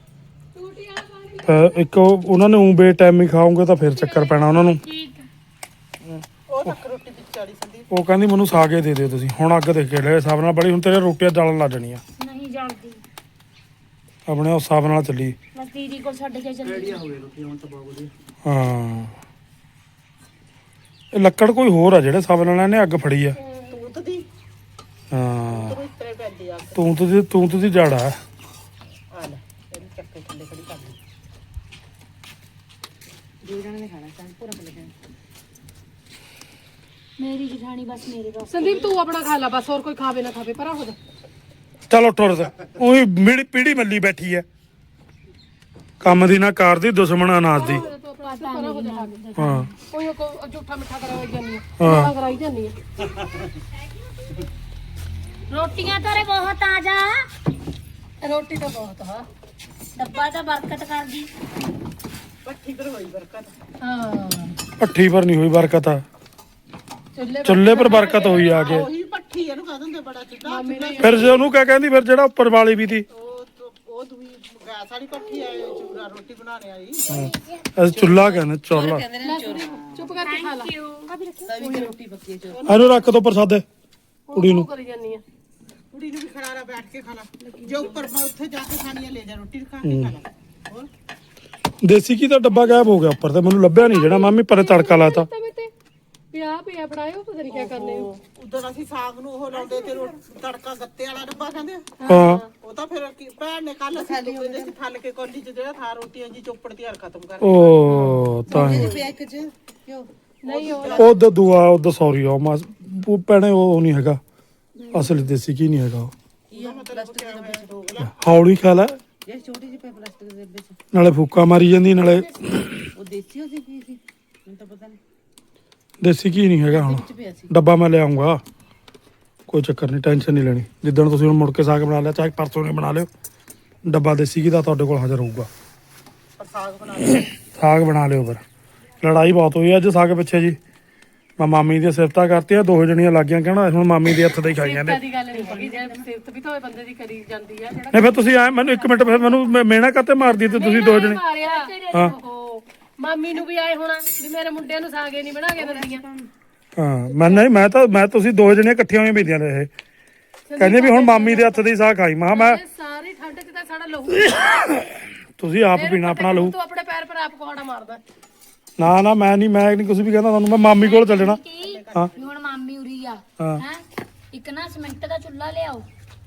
ਇੱਕ ਉਹਨਾਂ ਨੇ ਉਂ ਬੇ ਟਾਈਮ ਹੀ ਖਾਓਗੇ ਤਾਂ ਫਿਰ ਚੱਕਰ ਪੈਣਾ ਉਹਨਾਂ ਨੂੰ ਉਹ ਤੱਕ ਰੋਟੀ ਵਿੱਚ ਚਾੜੀ ਸੰਦੀਪ ਉਹ ਕਹਿੰਦੀ ਮੈਨੂੰ ਸਾਗੇ ਦੇ ਦਿਓ ਤੁਸੀਂ ਹੁਣ ਅੱਗ ਦੇ ਕੇ ਲੈ ਹਿਸਾਬ ਨਾਲ ਬੜੀ ਹੁਣ ਤੇਰੇ ਰੋਟੀਆਂ ਜਲਣ ਲੱਗ ਜਾਣੀਆਂ ਨਹੀਂ ਜਲਦੀ ਆਪਣੇ ਉਸ ਹਿਸਾਬ ਨਾਲ ਚੱਲੀ ਬਸ ਦੀਦੀ ਕੋਲ ਛੱਡ ਕੇ ਚੱਲੀ ਹਾਂ ਇਹ ਲੱਕੜ ਕੋਈ ਹੋਰ ਆ ਜਿਹੜੇ ਹਿਸਾਬ ਨਾਲ ਇਹਨੇ ਅੱਗ ਫੜੀ ਆ ਤੂਤ ਦੀ ਹਾਂ ਤੂੰ ਇਤਰੇ ਪੈਂਦੀ ਆ ਤੂੰ ਦੀ ਜੜ ਆ ਆ ਲੈ ਇਹਨੂੰ ਚੱਕੇ ਥੱਲੇ ਖੜੀ ਕਰ ਲਈ ਦੋ ਜਣੇ ਨੇ ਖਾਣਾ ਚਾਹ ਪੂਰਾ ਪਲੇ ਮੇਰੀ ਜਠਾਣੀ ਬਸ ਮੇਰੇ ਬਸ ਸੰਦੀਪ ਤੂੰ ਆਪਣਾ ਖਾ ਲੈ ਬਸ ਹੋਰ ਕੋਈ ਖਾਵੇ ਨਾ ਖਾਵੇ ਪਰਾਂ ਹੋ ਜਾ ਚਲੋ ਟੁਰ ਉਹੀ ਮੇਰੀ ਪੀੜੀ ਮੱਲੀ ਬੈਠੀ ਐ ਕੰਮ ਦੀ ਨਾ ਕਾਰ ਦੀ ਦੁਸ਼ਮਣ ਅਨਾਜ ਦੀ ਤੂੰ ਆਪਣਾ ਪਰਾਂ ਹੋ ਜਾ ਖਾ ਕੇ ਹਾਂ ਕੋਈ ਕੋ ਝੂਠਾ ਮਿੱਠਾ ਕਰਾਈ ਜਾਂਦੀ ਹਾਂ। ਆ ਕਰਾਈ ਜਾਂਦੀ ਆ ਰੋਟੀਆਂ ਤੇਰੇ ਬਹੁਤ ਆ ਜਾ ਰੋਟੀ ਤਾਂ ਬਹੁਤ ਆ ਡੱਬਾ ਤਾਂ ਬਰਕਤ ਕਰਦੀ ਪੱਠੀ ਪਰ ਹੋਈ ਬਰਕਤ ਹਾਂ ਭੱਠੀ ਪਰ ਨਹੀਂ ਹੋਈ ਬਰਕਤ ਆ ਚੁੱਲ੍ਹੇ ਚੁੱਲ੍ਹੇ ਪਰ ਬਰਕਤ ਹੋਈ ਆ ਕੇ ਉਹੀ ਪੱਠੀ ਇਹਨੂੰ ਕਹ ਦਿੰਦੇ ਬੜਾ ਚੁੱਲ੍ਹਾ ਫਿਰ ਜੇ ਉਹਨੂੰ ਕਿਆ ਕਹਿੰਦੀ ਫਿਰ ਜਿਹੜਾ ਉੱਪਰ ਵਾਲੀ ਵੀ ਤੀ ਉਹ ਦੂਈ ਗੈਸ ਵਾਲੀ ਪੱਠੀ ਆ ਚੂਰਾ ਰੋਟੀ ਬਣਾਉਣੇ ਵਾਲੀ ਅਸੀਂ ਚੁੱਲਾ ਕਹਿੰਦੇ ਚੁੱਲਾ ਚੁੱਪ ਕਰਕੇ ਖਾ ਲੈ ਇਹਨੂੰ ਰੱਖ ਦੋ ਪ੍ਰਸਾਦੇ ਕੁੜੀ ਨੂੰ ਕਰੀ ਜਾਂਦੀ ਆ ਕੁੜੀ ਨੂੰ ਵੀ ਖੜਾਰਾ ਬੈਠ ਕੇ ਖਾ ਲਾ ਜੇ ਉੱਪਰ ਮੈਂ ਉੱਥੇ ਜਾ ਕੇ ਖਾਣੀ ਆ ਲੈ ਜਾ ਰੋਟੀ ਖਾ ਕੇ ਖਾ ਲਾ ਹੋਰ ਦੇਸੀ ਘੀ ਦਾ ਡੱਬਾ ਗਾਇਬ ਹੋ ਗਿਆ ਉੱਪਰ ਤੇ ਮੈਨੂੰ ਲੱਭਿਆ ਨਹੀਂ ਜਿਹੜਾ ਮਾਮੀ ਪਰੇ ਤੜਕਾ ਲਾਤਾ ਪਿਆ ਬਣਾਇਓ ਪਤਾ ਨਹੀਂ ਕੀ ਕਰਨੇ ਹੋ ਉਦੋਂ ਅਸੀਂ ਸਾਗ ਨੂੰ ਉਹ ਲਾਉਂਦੇ ਤੇ ਤੜਕਾ ਗੱਤੇ ਵਾਲਾ ਡੱਬਾ ਕਹਿੰਦੇ ਆ। ਹਾਂ ਉਹ ਤਾਂ ਫਿਰ ਭੈਣ ਨੇ ਕੱਲ ਅਸੀਂ ਦੁੱਧ ਦੇ ਥੱਲ ਕੇ ਕੋਲੀ ਚ ਜਿਹੜਾ ਥਾ ਰੋਟੀਆਂ ਜੀ ਚੋਪੜ ਤਿਆਰ ਖਤਮ ਕਰ ਉਹ ਤਾਂ ਹੀ ਨਹੀਂ ਉਹ ਉਹ ਦੂਆ ਉਹ ਸੌਰੀ ਉਹ ਭੈਣੇ ਉਹ ਨਹੀਂ ਹੈਗਾ ਅਸਲੀ ਦੇਸੀ ਘੀ ਨਹੀਂ ਹੈਗਾ ਉਹ ਹੌਲੀ ਖਾ ਲੈ ਇਹ ਛੋਟੀ ਜਿਹੀ ਪਲਾਸਟਿਕ ਦੇ ਵਿੱਚ ਨਾਲੇ ਫੂਕਾ ਮਾਰੀ ਜਾਂਦੀ ਨਾਲੇ ਉਹ ਦੇਸੀ ਹੋ ਸੀ ਕੀ ਸੀ ਮੈਨੂੰ ਤਾਂ ਪਤਾ ਨਹੀਂ ਦੇਸੀ ਘੀ ਨਹੀਂ ਹੈਗਾ ਹੁਣ ਡੱਬਾ ਮੈਂ ਲਿਆਉਂਗਾ ਕੋਈ ਚੱਕਰ ਨਹੀਂ ਟੈਨਸ਼ਨ ਨਹੀਂ ਲੈਣੀ ਜਿੱਦਣ ਤੁਸੀਂ ਹੁਣ ਮੁੜ ਕੇ ਸਾਗ ਬਣਾ ਲਿਆ ਚਾਹੇ ਪਰਸੋਂ ਨੇ ਬਣਾ ਲਿਓ ਡੱਬਾ ਦੇਸੀ ਘੀ ਦਾ ਤੁਹਾਡੇ ਕੋਲ ਹਾਜ਼ਰ ਹੋਊਗਾ ਸਾਗ ਬਣਾ ਲਿਓ ਫਿਰ ਲੜਾਈ ਬਹੁਤ ਹੋਈ ਅੱਜ ਸਾਗ ਪਿੱਛੇ ਜੀ ਮੈਂ ਮਾਮੀ ਦੀਆਂ ਸਿਫਤਾਂ ਕਰਤੀਆਂ ਦੋ ਜਣੀਆਂ ਲੱਗ ਗਈਆਂ ਕਹਿਣਾ ਹੁਣ ਮਾਮੀ ਦੇ ਹੱਥ ਦਾ ਹੀ ਖਾਈ ਜਾਂਦੇ ਦੀ ਗੱਲ ਨਹੀਂ ਹੈਗੀ ਜੇ ਸਿਫਤ ਵੀ ਤਾਂ ਬੰਦੇ ਦੀ ਕਰੀ ਜਾਂਦੀ ਆ ਜਿਹੜਾ ਨਹੀਂ ਫਿਰ ਤੁਸੀਂ ਆਏ ਮੈਨੂੰ 1 ਮਿੰਟ ਫਿਰ ਮੈਨੂੰ ਮੇਣਾ ਕਾਤੇ ਮਾਰਦੀ ਤੇ ਤੁਸੀਂ ਦੋ ਜਣੇ ਮਾਰਿਆ ਹਾਂ। ਉਹ ਮਾਮੀ ਨੂੰ ਵੀ ਆਏ ਹੋਣਾ ਵੀ ਮੇਰੇ ਮੁੰਡਿਆਂ ਨੂੰ ਸਾਗੇ ਨਹੀਂ ਬਣਾ ਕੇ ਦਿੰਦੀਆਂ। ਹਾਂ ਮੈਂ ਤੁਸੀਂ ਦੋ ਜਣੇ ਇਕੱਠੀਆਂ ਹੋਈਆਂ ਪੀਂਦੀਆਂ ਨੇ ਇਹ ਕਹਿੰਦੇ ਵੀ ਹੁਣ ਮਾਮੀ ਦੇ ਹੱਥ ਦੀ ਸਾਗ ਖਾਈ ਮੈਂ ਇਹ ਸਾਰੀ ਠੰਡ 'ਚ ਤਾਂ ਸਾਡਾ ਲਹੂ ਤੁਸੀਂ ਆਪ ਪੀਣਾ ਆਪਣਾ ਲਹੂ। ਤੂੰ ਆਪਣੇ ਪੈਰ ਪਰ ਆਪ ਕੁਹਾੜਾ ਮਾਰਦਾ। ਨਾ ਮੈਂ ਨਹੀਂ ਕੁਝ ਵੀ ਕਹਿੰਦਾ ਤੁਹਾਨੂੰ ਮੈਂ ਮਾਮੀ ਕੋਲ ਚੱਲਣਾ। ਹਾਂ ਵੀ ਹੁਣ ਮਾਮੀ ਉਰੀ ਆ ਹਾਂ ਹੈ ਇੱਕ ਨਾ ਸਿਮੈਂਟ ਦਾ ਚੁੱਲ੍ਹਾ ਲਿਆਓ।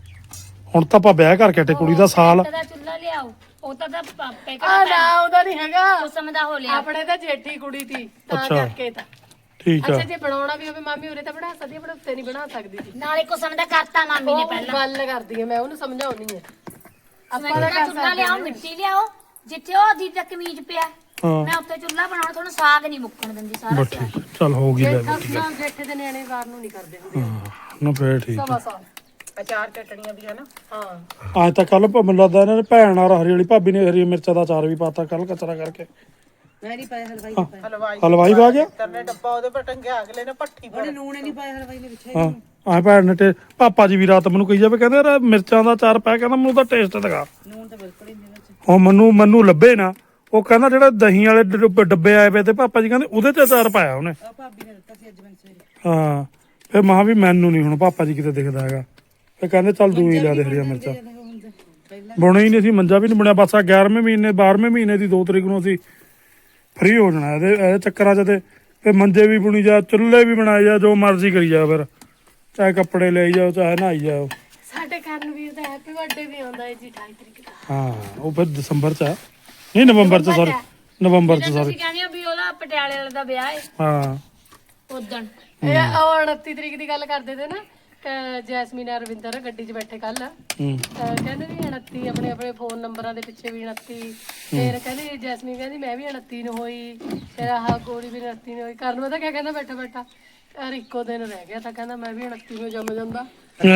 ਹੁਣ ਤਾਂ ਆਪਾਂ ਵਿਆਹ ਕਰਕੇ ਹਟੇ ਕੁੜੀ ਦਾ ਸਾਲ ਸਿਮੈਂਟ ਦਾ ਚੁੱਲ੍ਹਾ ਲਿਆਓ। ਉਹ ਤਾਂ ਪਾਪੇ ਆ ਨਾ ਉਹਦਾ ਨਹੀਂ ਹੈਗਾ ਉਸ ਸਮੇਂ ਦਾ ਹੋ ਲਿਆ। ਆਪਣੇ ਤਾਂ ਜੇਠੀ ਕੁੜੀ ਤੀ ਤਾਂ ਅੱਛਾ। ਕਰਕੇ ਤਾਂ ਠੀਕ ਆ ਅੱਛਾ ਜੇ ਬਣਾਉਣਾ ਵੀ ਹੋਵੇ ਮਾਮੀ ਉਰੇ ਤਾਂ ਬਣਾ ਸਕਦੀ ਆਪਣੇ ਉੱਤੇ ਨਹੀਂ ਬਣਾ ਸਕਦੀ ਸੀ। ਨਾਲੇ ਕੋ ਸਮੇਂ ਦਾ ਕਰਤਾ ਮਾਮੀ ਨੇ ਉਹ ਪਹਿਲਾਂ। ਗੱਲ ਕਰਦੀ ਹੈ ਮੈਂ ਉਹਨੂੰ ਸਮਝਾਉਣੀ ਹੈ। ਸਿਮੈਂਟ ਦਾ ਚੁੱਲ੍ਹਾ ਲਿਆਓ ਮਿੱਟੀ ਲਿਆਓ ਜਿੱਥੇ ਉਹ ਦੀ ਤੱਕ ਕਮੀਜ਼ ਪਿਆ ਹਾਂ ਮੈਂ ਉੱਤੇ ਚੁੱਲ੍ਹਾ ਬਣਾਉਣਾ ਤੁਹਾਨੂੰ ਸਾਗ ਨਹੀਂ ਮੁੱਕਣ ਦਿੰਦੀ ਸਾਰਾ ਬਸ ਠੀਕ ਆ। ਚੱਲ ਹੋ ਗਈ ਲੈ ਨਾ ਜੇਠੇ ਦੇ ਨਿਆਣੇ ਵਾਰ ਨੂੰ ਨਹੀਂ ਕਰਦੇ ਹੁੰਦੇ ਨਾ ਫੇਰ ਠੀਕ ਆ। ਸਵਾ ਸਾਲ। ਅਚਾਰ ਚਟਣੀਆਂ ਵੀ ਹੈ ਨਾ। ਹਾਂ ਅੱਜ ਤਾਂ ਕੱਲ ਮੈਨੂੰ ਲੱਗਦਾ ਇਹਨਾਂ ਨੇ ਭੈਣ ਔਰ ਹਰੀ ਵਾਲੀ ਭਾਬੀ ਨੇ ਹਰੀ ਮਿਰਚਾਂ ਦਾ ਅਚਾਰ ਵੀ ਪਾਤਾ ਕੱਲ ਕਚਰਾ ਕਰਕੇ। ਮੈਂ ਨਹੀਂ ਪਾਇਆ ਹਲਵਾਈ ਹਲਵਾਈ ਪਾ ਗਿਆ ਕਰਨੇ ਡੱਬਾ ਉਹਦੇ ਪਰ ਟੰਗਿਆ ਅਗਲੇ ਨੇ ਪੱਠੀ ਪਰ ਨੂਣ ਨਹੀਂ ਪਾਇਆ ਹਲਵਾਈ ਨੇ ਵਿੱਚ ਹਾਂ ਆਹ ਭੈਣ ਨੇ ਪਾਪਾ ਜੀ ਵੀ ਰਾਤ ਮੈਨੂੰ ਕਹੀ ਜਾਵੇ ਕਹਿੰਦੇ ਯਾਰ ਮਿਰਚਾਂ ਦਾ ਅਚਾਰ ਪਾਇਆ ਕਹਿੰਦਾ ਮੈਨੂੰ ਤਾਂ ਟੇਸਟ ਦਿਖਾ। ਨੂਣ ਤਾਂ ਬਿਲਕੁਲ ਹੀ ਨਹੀਂ ਵਿੱਚ। ਹੁਣ ਮੈਨੂੰ ਲੱਭੇ ਨਾ ਉਹ ਕਹਿੰਦਾ ਜਿਹੜਾ ਦਹੀਂ ਵਾਲੇ ਡੱਬੇ ਆਏ ਪਏ ਤੇ ਪਾਪਾ ਜੀ ਕਹਿੰਦੇ ਉਹਦੇ ਚ ਅਚਾਰ ਪਾਇਆ ਉਹਨੇ। ਆ ਭਾਬੀ ਨੇ ਦਿੱਤਾ ਸੀ ਅੱਜ ਮੈਨੂੰ ਸਵੇਰੇ। ਹਾਂ ਫਿਰ ਮਾਂ ਵੀ ਮੈਨੂੰ ਨਹੀਂ ਹੁਣ ਪਾਪਾ ਜੀ ਕਿਤੇ ਦਿਖਦਾ ਹੈਗਾ ਫਿਰ ਕਹਿੰਦੇ ਚੱਲ ਦੂਈ ਲਿਆ ਦੇ ਹਰੀਆਂ ਮਿਰਚਾਂ। ਪਹਿਲਾਂ ਬੁਣੇ ਹੀ ਨਹੀਂ ਸੀ ਮੰਜਾ ਵੀ ਨਹੀਂ ਬਣਿਆ ਬਸ ਆ 11ਵੇਂ ਮਹੀਨੇ 12ਵੇਂ ਮਹੀਨੇ ਦੀ 2 ਤਰੀਕ ਨੂੰ ਅਸੀਂ ਫ੍ਰੀ ਹੋ ਜਾਣਾ ਇਹਦੇ ਚੱਕਰਾਂ 'ਚ ਤੇ ਮੰਜੇ ਵੀ ਬੁਣੀ ਜਾ ਚੁੱਲ੍ਹੇ ਵੀ ਬਣਾਏ ਜਾ ਜੋ ਮਰਜ਼ੀ ਕਰੀ ਜਾ ਫਿਰ ਚਾਹੇ ਕੱਪੜੇ ਲਈ ਜਾਓ ਚਾਹੇ ਨਹਾਈ ਜਾਓ। ਸਾਡੇ ਕਰਨਵੀਰ ਦਾ ਹੈਪੀ ਬਰਥਡੇ ਵੀ ਆਉਂਦਾ ਹੈ ਜੀ 28 ਤਰੀਕ ਦਾ। ਹਾਂ ਉਹ ਫਿਰ ਦਸੰਬਰ 'ਚ ਆ ਨਹੀਂ ਨਵੰਬਰ 'ਚ ਸੌਰੀ ਨਵੰਬਰ 'ਚ ਸੌਰੀ ਤੁਸੀਂ ਕਹਿੰਦੇ ਹੋ ਵੀ ਉਹਦਾ ਪਟਿਆਲੇ ਵਾਲੇ ਦਾ ਵਿਆਹ ਹੈ ਹਾਂ ਉਦਣ ਇਹ ਉਹ 29 ਤਰੀਕ ਦੀ ਗੱਲ ਕਰਦੇ ਤੇ ਨਾ ਕਿ ਜੈਸਮੀਨ ਅਰਵਿੰਦਰ ਗੱਡੀ 'ਚ ਬੈਠੇ ਕੱਲ ਹੂੰ ਕਹਿੰਦੇ ਵੀ 29 ਆਪਣੇ ਫੋਨ ਨੰਬਰਾਂ ਦੇ ਪਿੱਛੇ ਵੀ 29 ਫਿਰ ਕਹਿੰਦੀ ਜੈਸਮੀਨ ਕਹਿੰਦੀ ਮੈਂ ਵੀ 29 ਨੂੰ ਹੋਈ ਫਿਰ ਆਹ ਗੋਰੀ ਵੀ 29 ਨੂੰ ਹੋਈ ਕਰਨ ਪਤਾ ਕਿਆ ਕਹਿੰਦਾ ਬੈਠਾ ਯਾਰ ਇੱਕੋ ਦਿਨ ਰਹਿ ਗਿਆ ਤਾਂ ਕਹਿੰਦਾ ਮੈਂ ਵੀ 29 ਨੂੰ ਜੰਮ ਜਾਂਦਾ।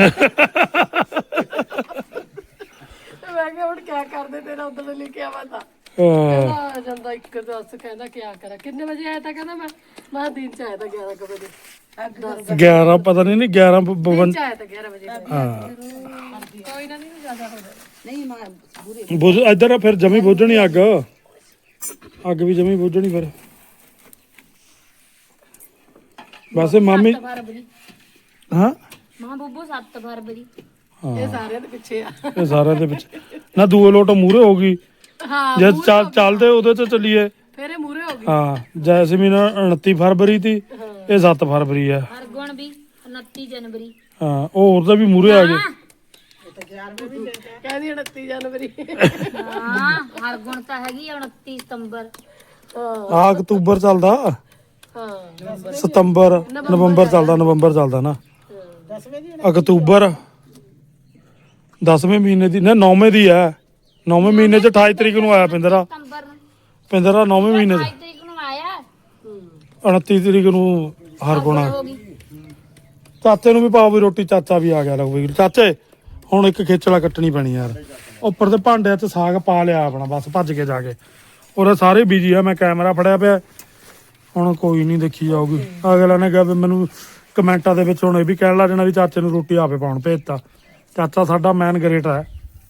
ਮੈਂ ਕਿਹਾ ਹੁਣ ਕਿਆ ਕਰਦੇ ਤੇਰਾ ਉਧਰ ਲੈ ਕੇ ਆਵਾਂ ਤਾਂ ਕਹਿੰਦਾ ਜਾਂਦਾ ਇੱਕ ਦੱਸ ਕਹਿੰਦਾ ਕਿਆ ਕਰਾਂ ਕਿੰਨੇ ਵਜੇ ਆਇਆ ਤਾਂ ਕਹਿੰਦਾ ਮੈਂ ਦਿਨ ਚ ਆਇਆ ਤਾਂ 11 ਵਜੇ 11 ਪਤਾ ਨਹੀਂ 11 ਦਿਨ ਚ ਆਇਆ ਤਾਂ 11 ਵਜੇ ਹਾਂ ਕੋਈ ਨਾ ਨਹੀਂ ਜ਼ਿਆਦਾ ਹੋ ਜਾਣਾ। ਨਹੀਂ ਮਾਂ ਬੁਰੇ ਬੁਝ ਇੱਧਰ ਫਿਰ ਜਮੀ ਬੁੱਝਣੀ ਅੱਗ ਵੀ ਜਮੀ ਬੁੱਝਣੀ ਫਿਰ ਵੈਸੇ ਮਾਮੀ 7 ਫਰਵਰੀ ਹਾਂ ਮਾਂ ਬੱਬੂ 7 ਫਰਵਰੀ ਇਹ ਸਾਰਿਆਂ ਦੇ ਪਿੱਛੇ ਆ। ਇਹ ਸਾਰਿਆਂ ਦੇ ਵਿੱਚ ਨਾ ਦੂਏ ਲੋਟ ਮੂਰੇ ਹੋ ਗਈ ਹਾਂ ਜੇ ਚੱਲਦੇ ਉਹਦੇ ਤੇ ਚੱਲੀਏ ਫਿਰ ਇਹ ਮੂਰੇ ਹੋ ਗਈ। ਹਾਂ ਜੈਸਮੀਨ 29 ਫਰਵਰੀ ਤੀ ਇਹ 7 ਫਰਵਰੀ ਆ ਹਰਗੁਣ ਵੀ 29 ਜਨਵਰੀ ਹਾਂ ਉਹ ਉਹਦਾ ਵੀ ਮੂਰੇ ਆ ਗਏ ਕਹਿੰਦੀ 29 ਜਨਵਰੀ। ਹਾਂ ਹਰਗੁਣ ਤਾਂ ਹੈਗੀ ਆ 29 ਸਤੰਬਰ। ਆ ਅਕਤੂਬਰ ਚੱਲਦਾ ਹਾਂ ਸਤੰਬਰ ਨਵੰਬਰ ਚੱਲਦਾ ਨਾ 10ਵੇਂ ਦੀ ਅਕਤੂਬਰ 10ਵੇਂ ਮਹੀਨੇ ਦੀ ਨਾ 9ਵੇਂ ਦੀ ਹੈ 9ਵੇਂ ਮਹੀਨੇ ਚ 28 ਤਰੀਕ ਨੂੰ ਆਇਆ ਪਿੰਦਰਾ ਸਤੰਬਰ ਨੂੰ 9ਵੇਂ ਮਹੀਨੇ 28 ਤਰੀਕ ਨੂੰ ਆਇਆ 29 ਤਰੀਕ ਨੂੰ ਹਰਗੁਣਾ ਹੋ ਗਈ। ਚਾਚੇ ਨੂੰ ਵੀ ਪਾਓ ਵੀ ਰੋਟੀ ਚਾਚਾ ਵੀ ਆ ਗਿਆ ਲਓ ਵੀ ਚਾਚੇ ਹੁਣ ਇੱਕ ਖੇਚਲਾ ਕੱਟਣੀ ਪੈਣੀ ਯਾਰ ਉੱਪਰ ਤੇ ਭਾਂਡਿਆਂ 'ਚ ਸਾਗ ਪਾ ਲਿਆ ਆਪਣਾ ਬਸ ਭੱਜ ਕੇ ਜਾ ਕੇ ਉਹਦੇ ਸਾਰੇ ਬਿਜੀ ਆ ਮੈਂ ਕੈਮਰਾ ਫੜਿਆ ਪਿਆ ਹੁਣ ਕੋਈ ਨਹੀਂ ਦੇਖੀ ਜਾਊਗੀ ਅਗਲਾ ਨੇ ਕਿਹਾ ਵੀ ਮੈਨੂੰ ਕਮੈਂਟਾਂ ਦੇ ਵਿੱਚ ਹੁਣ ਇਹ ਵੀ ਕਹਿਣ ਲੱਗ ਜਾਣਾ ਵੀ ਚਾਚੇ ਨੂੰ ਰੋਟੀ ਆਪੇ ਪਾਉਣ ਭੇਜਤਾ ਚਾਚਾ ਸਾਡਾ ਮੈਨ ਗ੍ਰੇਟ ਹੈ।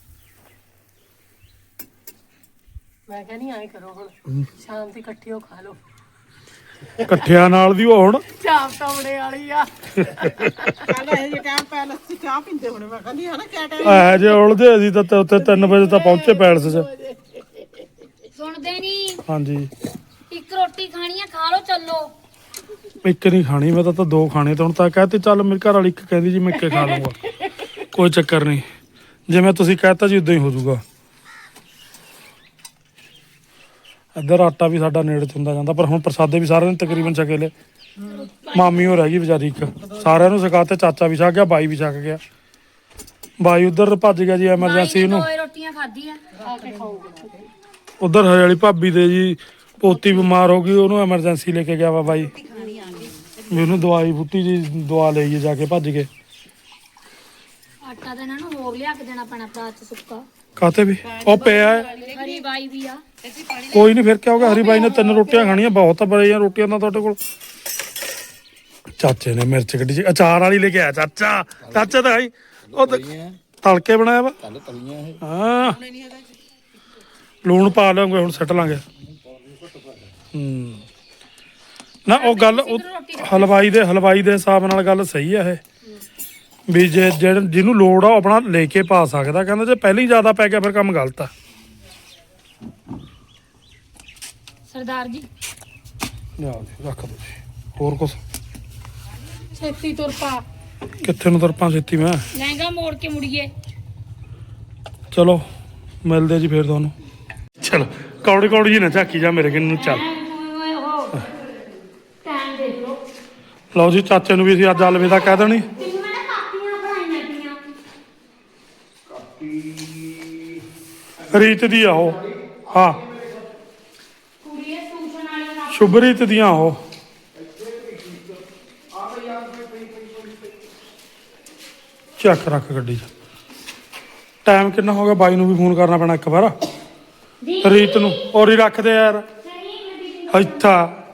ਮੈਂ ਕਹਿੰਦੀ ਐਂ ਕਰੋ ਹੁਣ ਸ਼ਾਮ ਦੀ ਇਕੱਠੀ ਹੋ ਖਾ ਲਓ ਇਕੱਠਿਆਂ ਨਾਲ ਦੀ ਉਹ ਹੁਣ ਚਾਪ ਟਾਉਣੇ ਵਾਲੀ ਆ। ਕੱਲ ਇਹ ਜੇ ਟਾਈਮ ਪੈਲਸ ਚ ਚਾਹ ਪੀਂਦੇ ਹੋਣੇ ਮੈਂ ਕਹਿੰਦੀ ਹਨਾ ਕਿਆ ਟਾਈਮ ਐ ਜੇ ਉਲਝੇ ਅਸੀਂ ਤਾਂ ਉੱਥੇ 3 ਵਜੇ ਤਾਂ ਪਹੁੰਚੇ ਪੈਲਸ 'ਚ ਸੁਣਦੇ ਨਹੀਂ ਹਾਂਜੀ ਇੱਕ ਰੋਟੀ ਖਾਣੀ ਆ ਖਾ ਲਓ ਚੱਲੋ। ਇੱਕ ਨਹੀਂ ਖਾਣੀ ਮੈਂ ਤਾਂ 2 ਖਾਣੇ ਤੇ ਹੁਣ ਤਾਂ ਕਹਤੇ ਚੱਲ ਮੇਰੇ ਘਰ ਵਾਲੀ ਇੱਕ ਕਹਿੰਦੀ ਜੀ ਮੈਂ ਇੱਕ ਖਾ ਲੂੰਗਾ ਕੋਈ ਚੱਕਰ ਨਹੀਂ ਜਿਵੇਂ ਤੁਸੀਂ ਕਹਿਤਾ ਜੀ ਉਦਾਂ ਹੀ ਹੋ ਜਾਊਗਾ। ਇੱਧਰ ਆਟਾ ਵੀ ਸਾਡਾ ਨੇੜੇ ਚ ਹੁੰਦਾ ਜਾਂਦਾ ਪਰ ਹੁਣ ਪ੍ਰਸਾਦੇ ਵੀ ਸਾਰਿਆਂ ਨੇ ਤਕਰੀਬਨ ਛਕੇ ਲਏ ਮਾਮੀ ਹੋ ਰਹਿ ਗਈ ਵਿਚਾਰੀ ਇੱਕ ਸਾਰਿਆਂ ਨੂੰ ਛਕਾਤੇ ਚਾਚਾ ਵੀ ਛਕ ਗਿਆ ਬਾਈ ਵੀ ਛਕ ਗਿਆ ਬਾਈ ਉਧਰ ਭੱਜ ਗਿਆ ਜੀ ਐਮਰਜੈਂਸੀ ਨੂੰ ਦੋ ਰੋਟੀਆਂ ਖਾਧੀਆਂ ਖਾ ਕੇ ਖਾਊਗਾ। ਉਧਰ ਹਰੇ ਵਾਲੀ ਭਾਬੀ ਦੇ ਜੀ ਪੋਤੀ ਬਿਮਾਰ ਹੋ ਗਈ ਉਹਨੂੰ ਐਮਰਜੈਂਸੀ ਲੈ ਕੇ ਗਿਆ ਵਾ ਬਾਈ ਵੀ ਉਹਨੂੰ ਦਵਾਈ ਬੂਟੀ ਜੀ ਦਵਾ ਲਈਏ ਜਾ ਕੇ ਭੱਜ ਕੇ ਆਟਾ ਤਾਂ ਇਹਨਾਂ ਨੂੰ ਹੋਰ ਲਿਆ ਕੇ ਦੇਣਾ ਪੈਣਾ ਪਰਾਤ ਚ ਸੁੱਕਾ। ਕਾਤੇ ਵੀ ਉਹ ਪਿਆ ਹੈ ਹਰੀ ਬਾਈ ਵੀ ਆ ਕੋਈ ਨਹੀਂ ਫਿਰ ਕਿਆ ਹੋਗਾ ਹਰੀ ਬਾਈ ਨੇ 3 ਰੋਟੀਆਂ ਖਾਣੀਆਂ ਬਹੁਤ ਬੜੀਆਂ ਰੋਟੀਆਂ ਤਾਂ ਤੁਹਾਡੇ ਕੋਲ ਚਾਚੇ ਨੇ ਮਿਰਚ ਕੱਢੀ ਸੀ ਅਚਾਰ ਵਾਲੀ ਲੈ ਕੇ ਆਇਆ ਚਾਚਾ ਤਾਂ ਆਈ ਉਹ ਤਲਕੇ ਬਣਾਇਆ ਵਾ ਹਾਂ ਲੂਣ ਪਾ ਲਾਂਗੇ ਹੁਣ ਸੱਟ ਲਾਂਗੇ ਨਾ ਉਹ ਗੱਲ ਹਲਵਾਈ ਦੇ ਹਿਸਾਬ ਨਾਲ ਗੱਲ ਸਹੀ ਆ ਇਹ ਵੀ ਜੇ ਜਿਹਨੂੰ ਲੋੜ ਆ ਉਹ ਆਪਣਾ ਲੈ ਕੇ ਪਾ ਸਕਦਾ। ਕਹਿੰਦਾ ਜੇ ਪਹਿਲਾਂ ਹੀ ਜ਼ਿਆਦਾ ਪੈ ਗਿਆ ਫਿਰ ਕੰਮ ਗਲਤ ਆ। ਸਰਦਾਰ ਜੀ ਲਿਆਓ ਜੀ ਰੱਖ ਦਿਓ ਜੀ। ਹੋਰ ਕੁਛ ਛੇਤੀ ਤੁਰ ਪਾ। ਕਿੱਥੇ ਨੂੰ ਤਰਪਾਂ ਛੇਤੀ ਮੈਂ ਲਹਿੰਗਾ ਮੋੜ ਕੇ ਮੁੜੀਏ। ਚਲੋ ਮਿਲਦੇ ਆ ਜੀ ਫਿਰ ਤੁਹਾਨੂੰ। ਚਲੋ ਕੌੜੀ ਕੌੜੀ ਜੀ ਨਾ ਝਾਕੀ ਜਾ ਮੇਰੇ ਕਿੰਨ ਨੂੰ। ਚੱਲ ਟਾਈਮ ਦੇਖ ਲਓ। ਲਓ ਜੀ ਚਾਚੇ ਨੂੰ ਵੀ ਅਸੀਂ ਅੱਜ ਅਲਵਿਦਾ ਕਹਿ ਦੇਣੀ। ਤੈਨੂੰ ਮੈਂ ਨਾ ਕਾਪੀਆਂ ਬਣਾਈਆਂ ਪਈਆਂ। ਰੀਤ ਦੀ ਆ ਉਹ। ਹਾਂ ਕੁੜੀਏ ਟਿਊਸ਼ਨ ਵਾਲੇ ਨਾਲ ਸ਼ੁਭਰੀਤ ਦੀਆਂ ਉਹ। ਚੱਕ ਰੱਖ ਗੱਡੀ 'ਚ। ਟਾਈਮ ਕਿੰਨਾ ਹੋ ਗਿਆ? ਬਾਈ ਨੂੰ ਵੀ ਫੋਨ ਕਰਨਾ ਪੈਣਾ ਇੱਕ ਵਾਰ ਰੀਤ ਨੂੰ। ਔਰ ਹੀ ਰੱਖਦੇ ਯਾਰ ਇੱਥਾ।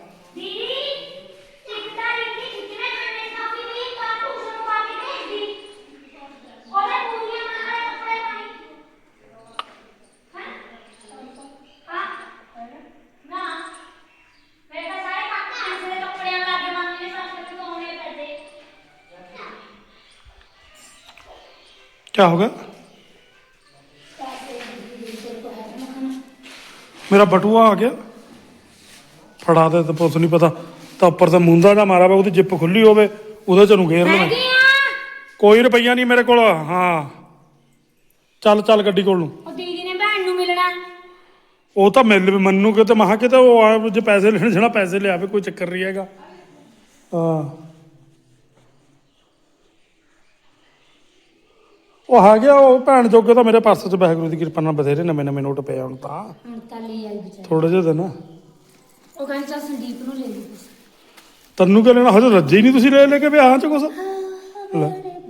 क्या हो गया? मेरा बटुआ आ गया। फड़ा दे तो पुछ नहीं पता तो उपर तो मुंदा जा मारा वा जिप खुली होवे उहदे च घेर लेना। कोई रुपया नहीं मेरे को। हाँ चल चल गड्डी कोल। दीदी ने भैन नूं मिलना। ਉਹ ਤਾਂ ਮਿਲ ਵੀ ਮੰਨੂ ਕਿ ਤੇ ਮਹਾ ਕਿਤੇ ਉਹ ਆ ਜੇ ਪੈਸੇ ਲੈਣ ਜਾਣਾ ਪੈਸੇ ਲਿਆਵੇ ਕੋਈ ਚੱਕਰ ਨਹੀਂ ਹੈਗਾ। ਹਾਂ ਉਹ ਆ ਗਿਆ ਉਹ ਭੈਣ ਜੋਗੇ ਤਾਂ ਮੇਰੇ ਪਰਸ 'ਚ ਵਾਹਿਗੁਰੂ ਦੀ ਕਿਰਪਾ ਨਾਲ ਬਥੇਰੇ ਨਵੇਂ ਨਵੇਂ ਨੋਟ ਪਏ ਹੁਣ ਤਾਂ ਹੁਣ ਤਾਂ ਲੈ ਆਈ ਵਿਚਾਰੀ। ਥੋੜੇ ਜਿਹੇ ਦਿਨ। ਉਹ ਕਹਿੰਦੀ ਚੱਲ ਸੰਦੀਪ ਨੂੰ ਲੈ ਲਈ ਤੁਸੀਂ। ਤੈਨੂੰ ਕਿ ਲੈਣਾ ਹਜੇ ਰੱਜੇ ਹੀ ਨਹੀਂ ਤੁਸੀਂ ਲੈ ਕੇ ਵਿਆਹਾਂ 'ਚ ਕੁਛ। ਲੈ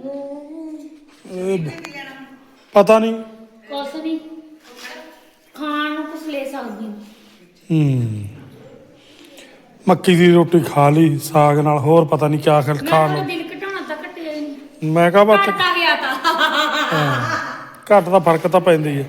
ਪਤਾ ਨਹੀਂ ਕੁਛ ਨਹੀਂ ਖਾਣ ਨੂੰ ਕੁਛ ਲੈ ਸਕਦੀ ਹਾਂ। ਮੱਕੀ ਦੀ ਰੋਟੀ ਖਾ ਲਈ ਸਾਗ ਨਾਲ। ਹੋਰ ਪਤਾ ਨਹੀਂ ਕਿਆ ਖਾਣ ਮੈਂ ਨੂੰ। ਦਿਲ ਘਟਾਉਣਾ ਤਾਂ ਘਟਿਆ ਹੀ ਨਹੀਂ। ਮੈਂ ਕਹਾ ਬਾਤ ਘਟਦਾ ਗਿਆ ਤਾਂ ਘੱਟ ਦਾ ਫਰਕ ਤਾਂ ਪੈਂਦਾ ਹੀ ਹੈ।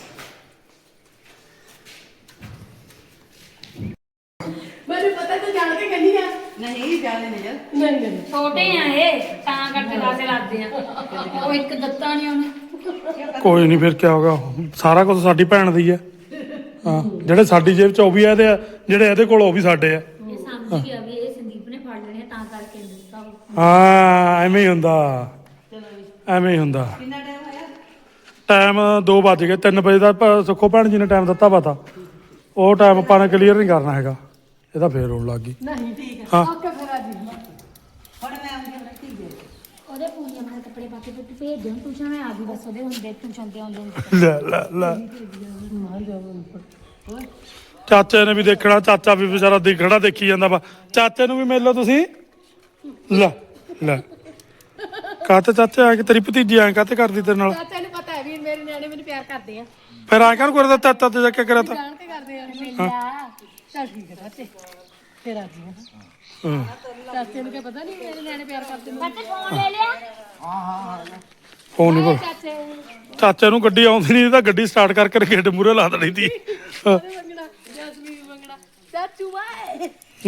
ਮੈਨੂੰ ਪਤਾ ਤੂੰ ਜਾਣ ਕੇ ਕਹਿੰਦੀ ਆ। ਨਹੀਂ ਜਾਣੇ ਨਹੀਂ ਯਾਰ। ਨਹੀਂ ਨਹੀਂ ਛੋਟੇ ਆ ਇਹ ਤਾਂ ਕਰਕੇ ਲਾਸੇ ਲੱਗਦੇ ਆ। ਉਹ ਇੱਕ ਦਿੱਤਾ ਨਹੀਂ ਉਹਨੇ। ਕੋਈ ਨਹੀਂ ਫਿਰ ਕਿਆ ਹੋਗਾ। ਸਾਰਾ ਕੁਝ ਸਾਡੀ ਭੈਣ ਦੀ ਹੈ। ਹਾਂ ਜਿਹੜੇ ਸਾਡੀ ਜੇਬ 'ਚ ਉਹ ਵੀ ਇਹਦੇ ਆ ਜਿਹੜੇ ਇਹਦੇ ਕੋਲ ਉਹ ਵੀ ਸਾਡੇ ਆ। ਇਹ ਸਮਝ ਗਿਆ ਵੀ ਇਹ ਸੰਦੀਪ ਨੇ ਫੜ ਲੈਣੇ ਤਾਂ ਕਰਕੇ ਦਿੱਤਾ ਉਹ। ਹਾਂ ਐਵੇਂ ਹੀ ਹੁੰਦਾ ਐਵੇਂ ਹੀ ਹੁੰਦਾ। ਕਿੰਨਾ ਟਾਈਮ ਹੋਇਆ? ਟਾਈਮ 2 ਵੱਜ ਗਏ। 3 ਵਜੇ ਦਾ ਸੁੱਖੋ ਭੈਣ ਜੀ ਨੇ ਟਾਈਮ ਦਿੱਤਾ ਵਾ ਤਾਂ ਉਹ ਟਾਈਮ ਆਪਾਂ ਨੇ ਕਲੀਅਰ ਨਹੀਂ ਕਰਨਾ ਹੈਗਾ। ਇਹਦਾ ਫੇਰ ਹੋਣ ਲੱਗ ਗਈ। ਨਹੀਂ ਠੀਕ ਹੈ। ਹਾਂ ਓਕੇ ਫਿਰ ਆ ਜੀ। ਹੁਣ ਮੈਂ ਆਉਂਦੀ ਹਾਂ ਠੀਕ ਹੈ। ਉਹਦੇ ਪੂਰੀਆਂ ਮੈਂ ਕੱਪੜੇ ਪਾ ਕੇ ਪੁੱਤ ਭੇਜ ਦਿਓ ਟਿਊਸ਼ਨ। ਮੈਂ ਆ ਗਈ ਬਸ ਉਹਦੇ ਹੁੰਦੇ ਟਿਊਸ਼ਨ ਤੇ ਆਉਂਦੇ ਲੈ ਲੈ ਲੈ ਚਾਚੇ ਨੇ ਵੀ ਦੇਖਣਾ। ਚਾਚਾ ਵੀ ਵਿਚਾਰਾ ਦੇਖਣਾ ਦੇਖੀ ਜਾਂਦਾ ਵਾ। ਚਾਚੇ ਨੂੰ ਵੀ ਮਿਲ ਲਓ ਤੁਸੀਂ। ਲੈ ਲੈ ਕਾਤੇ ਚਾਚੇ ਆ ਕੇ ਤੇਰੀ ਭਤੀਜੀ ਐਂ ਕਾਤੇ ਕਰਦੀ ਤੇਰੇ ਨਾਲ। ਚਾਚਾ ਨੂੰ ਪਤਾ ਹੈ ਵੀ ਮੇਰੇ ਨਿਆਣੇ ਮੈਨੂੰ ਪਿਆਰ ਕਰਦੇ ਆ। ਫਿਰ ਆ ਕਰ ਕਰਦਾ ਚਾਚਾ ਤੇ ਜਾ ਕੇ ਕਰਿਆ ਤਾਂ। ਜਾਣ ਕੇ ਕਰਦੇ ਆ। ਮਿਲਿਆ। ਚੱਲ ਠੀਕ ਹੈ ਚਾਚੇ ਫਿਰ ਆ ਜੀ। ਹਾਂ ਚਾਚੇ ਨੂੰ ਕੀ ਪਤਾ ਨਹੀਂ ਮੇਰੇ ਨਿਆਣੇ ਪਿਆਰ ਕਰਦੇ ਨੇ। ਬੱਚੇ ਫੋਨ ਲੈ ਲਿਆ। ਫੋਨ ਨਹੀਂ ਚਾਚੇ ਚਾਚੇ ਨੂੰ ਗੱਡੀ ਆਉਂਦੀ ਨਹੀਂ ਤਾਂ ਗੱਡੀ ਸਟਾਰਟ ਕਰਕੇ ਗੇਟ ਮੂਹਰੇ ਲਾ ਦੇਣੀ ਸੀ। ਉਹਨੇ ਮੰਗਣਾ ਜਸਮੀਨ ਮੰਗਣਾ ਚਾਚੂ ਬਾਏ।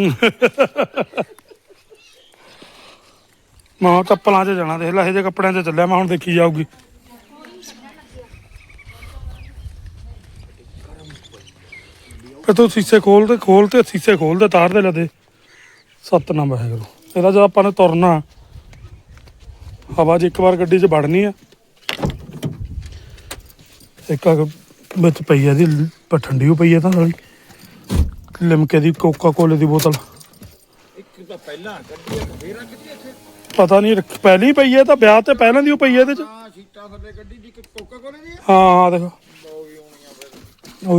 ਮੈਂ ਚੱਪਲਾਂ 'ਚ ਜਾਣਾ। ਦੇਖ ਲੈ ਇਹ ਜੇ ਕੱਪੜਿਆਂ 'ਚ ਚੱਲਿਆ ਮੈਂ ਹੁਣ ਦੇਖੀ ਜਾਊਗੀ। ਫਿਰ ਤੂੰ ਸ਼ੀਸ਼ੇ ਖੋਲ ਤੇ ਸ਼ੀਸ਼ੇ ਖੋਲ ਦੇ ਤਾਰ ਦੇ ਲੈ ਦੇ। ਸਤਨਾਮ ਵਾਹਿਗੁਰੂ। ਇਹਦਾ ਜਦ ਆਪਾਂ ਨੇ ਤੁਰਨਾ ਹਵਾ 'ਚ ਇੱਕ ਵਾਰ ਗੱਡੀ 'ਚ ਵੜਨੀ ਆ। ਇੱਕ ਵਿੱਚ ਪਈ ਆ ਦੀ ਠੰਡੀ ਹੋ ਪਈ ਆ ਤਾਂ ਸਾਲੀ ਲਿਮਕੇ ਦੀ ਕੋਕਾ ਕੋਲੇ ਦੀ ਬੋਤਲ। ਪਤਾ ਨਹੀਂ ਪਹਿਲੀ ਪਈ ਹੈ ਤਾਂ ਵਿਆਹ ਤੇ ਪਹਿਲਾਂ ਦੀ ਉਹ ਪਈ ਹੈ ਇਹਦੇ 'ਚ। ਹਾਂ ਦੇਖੋ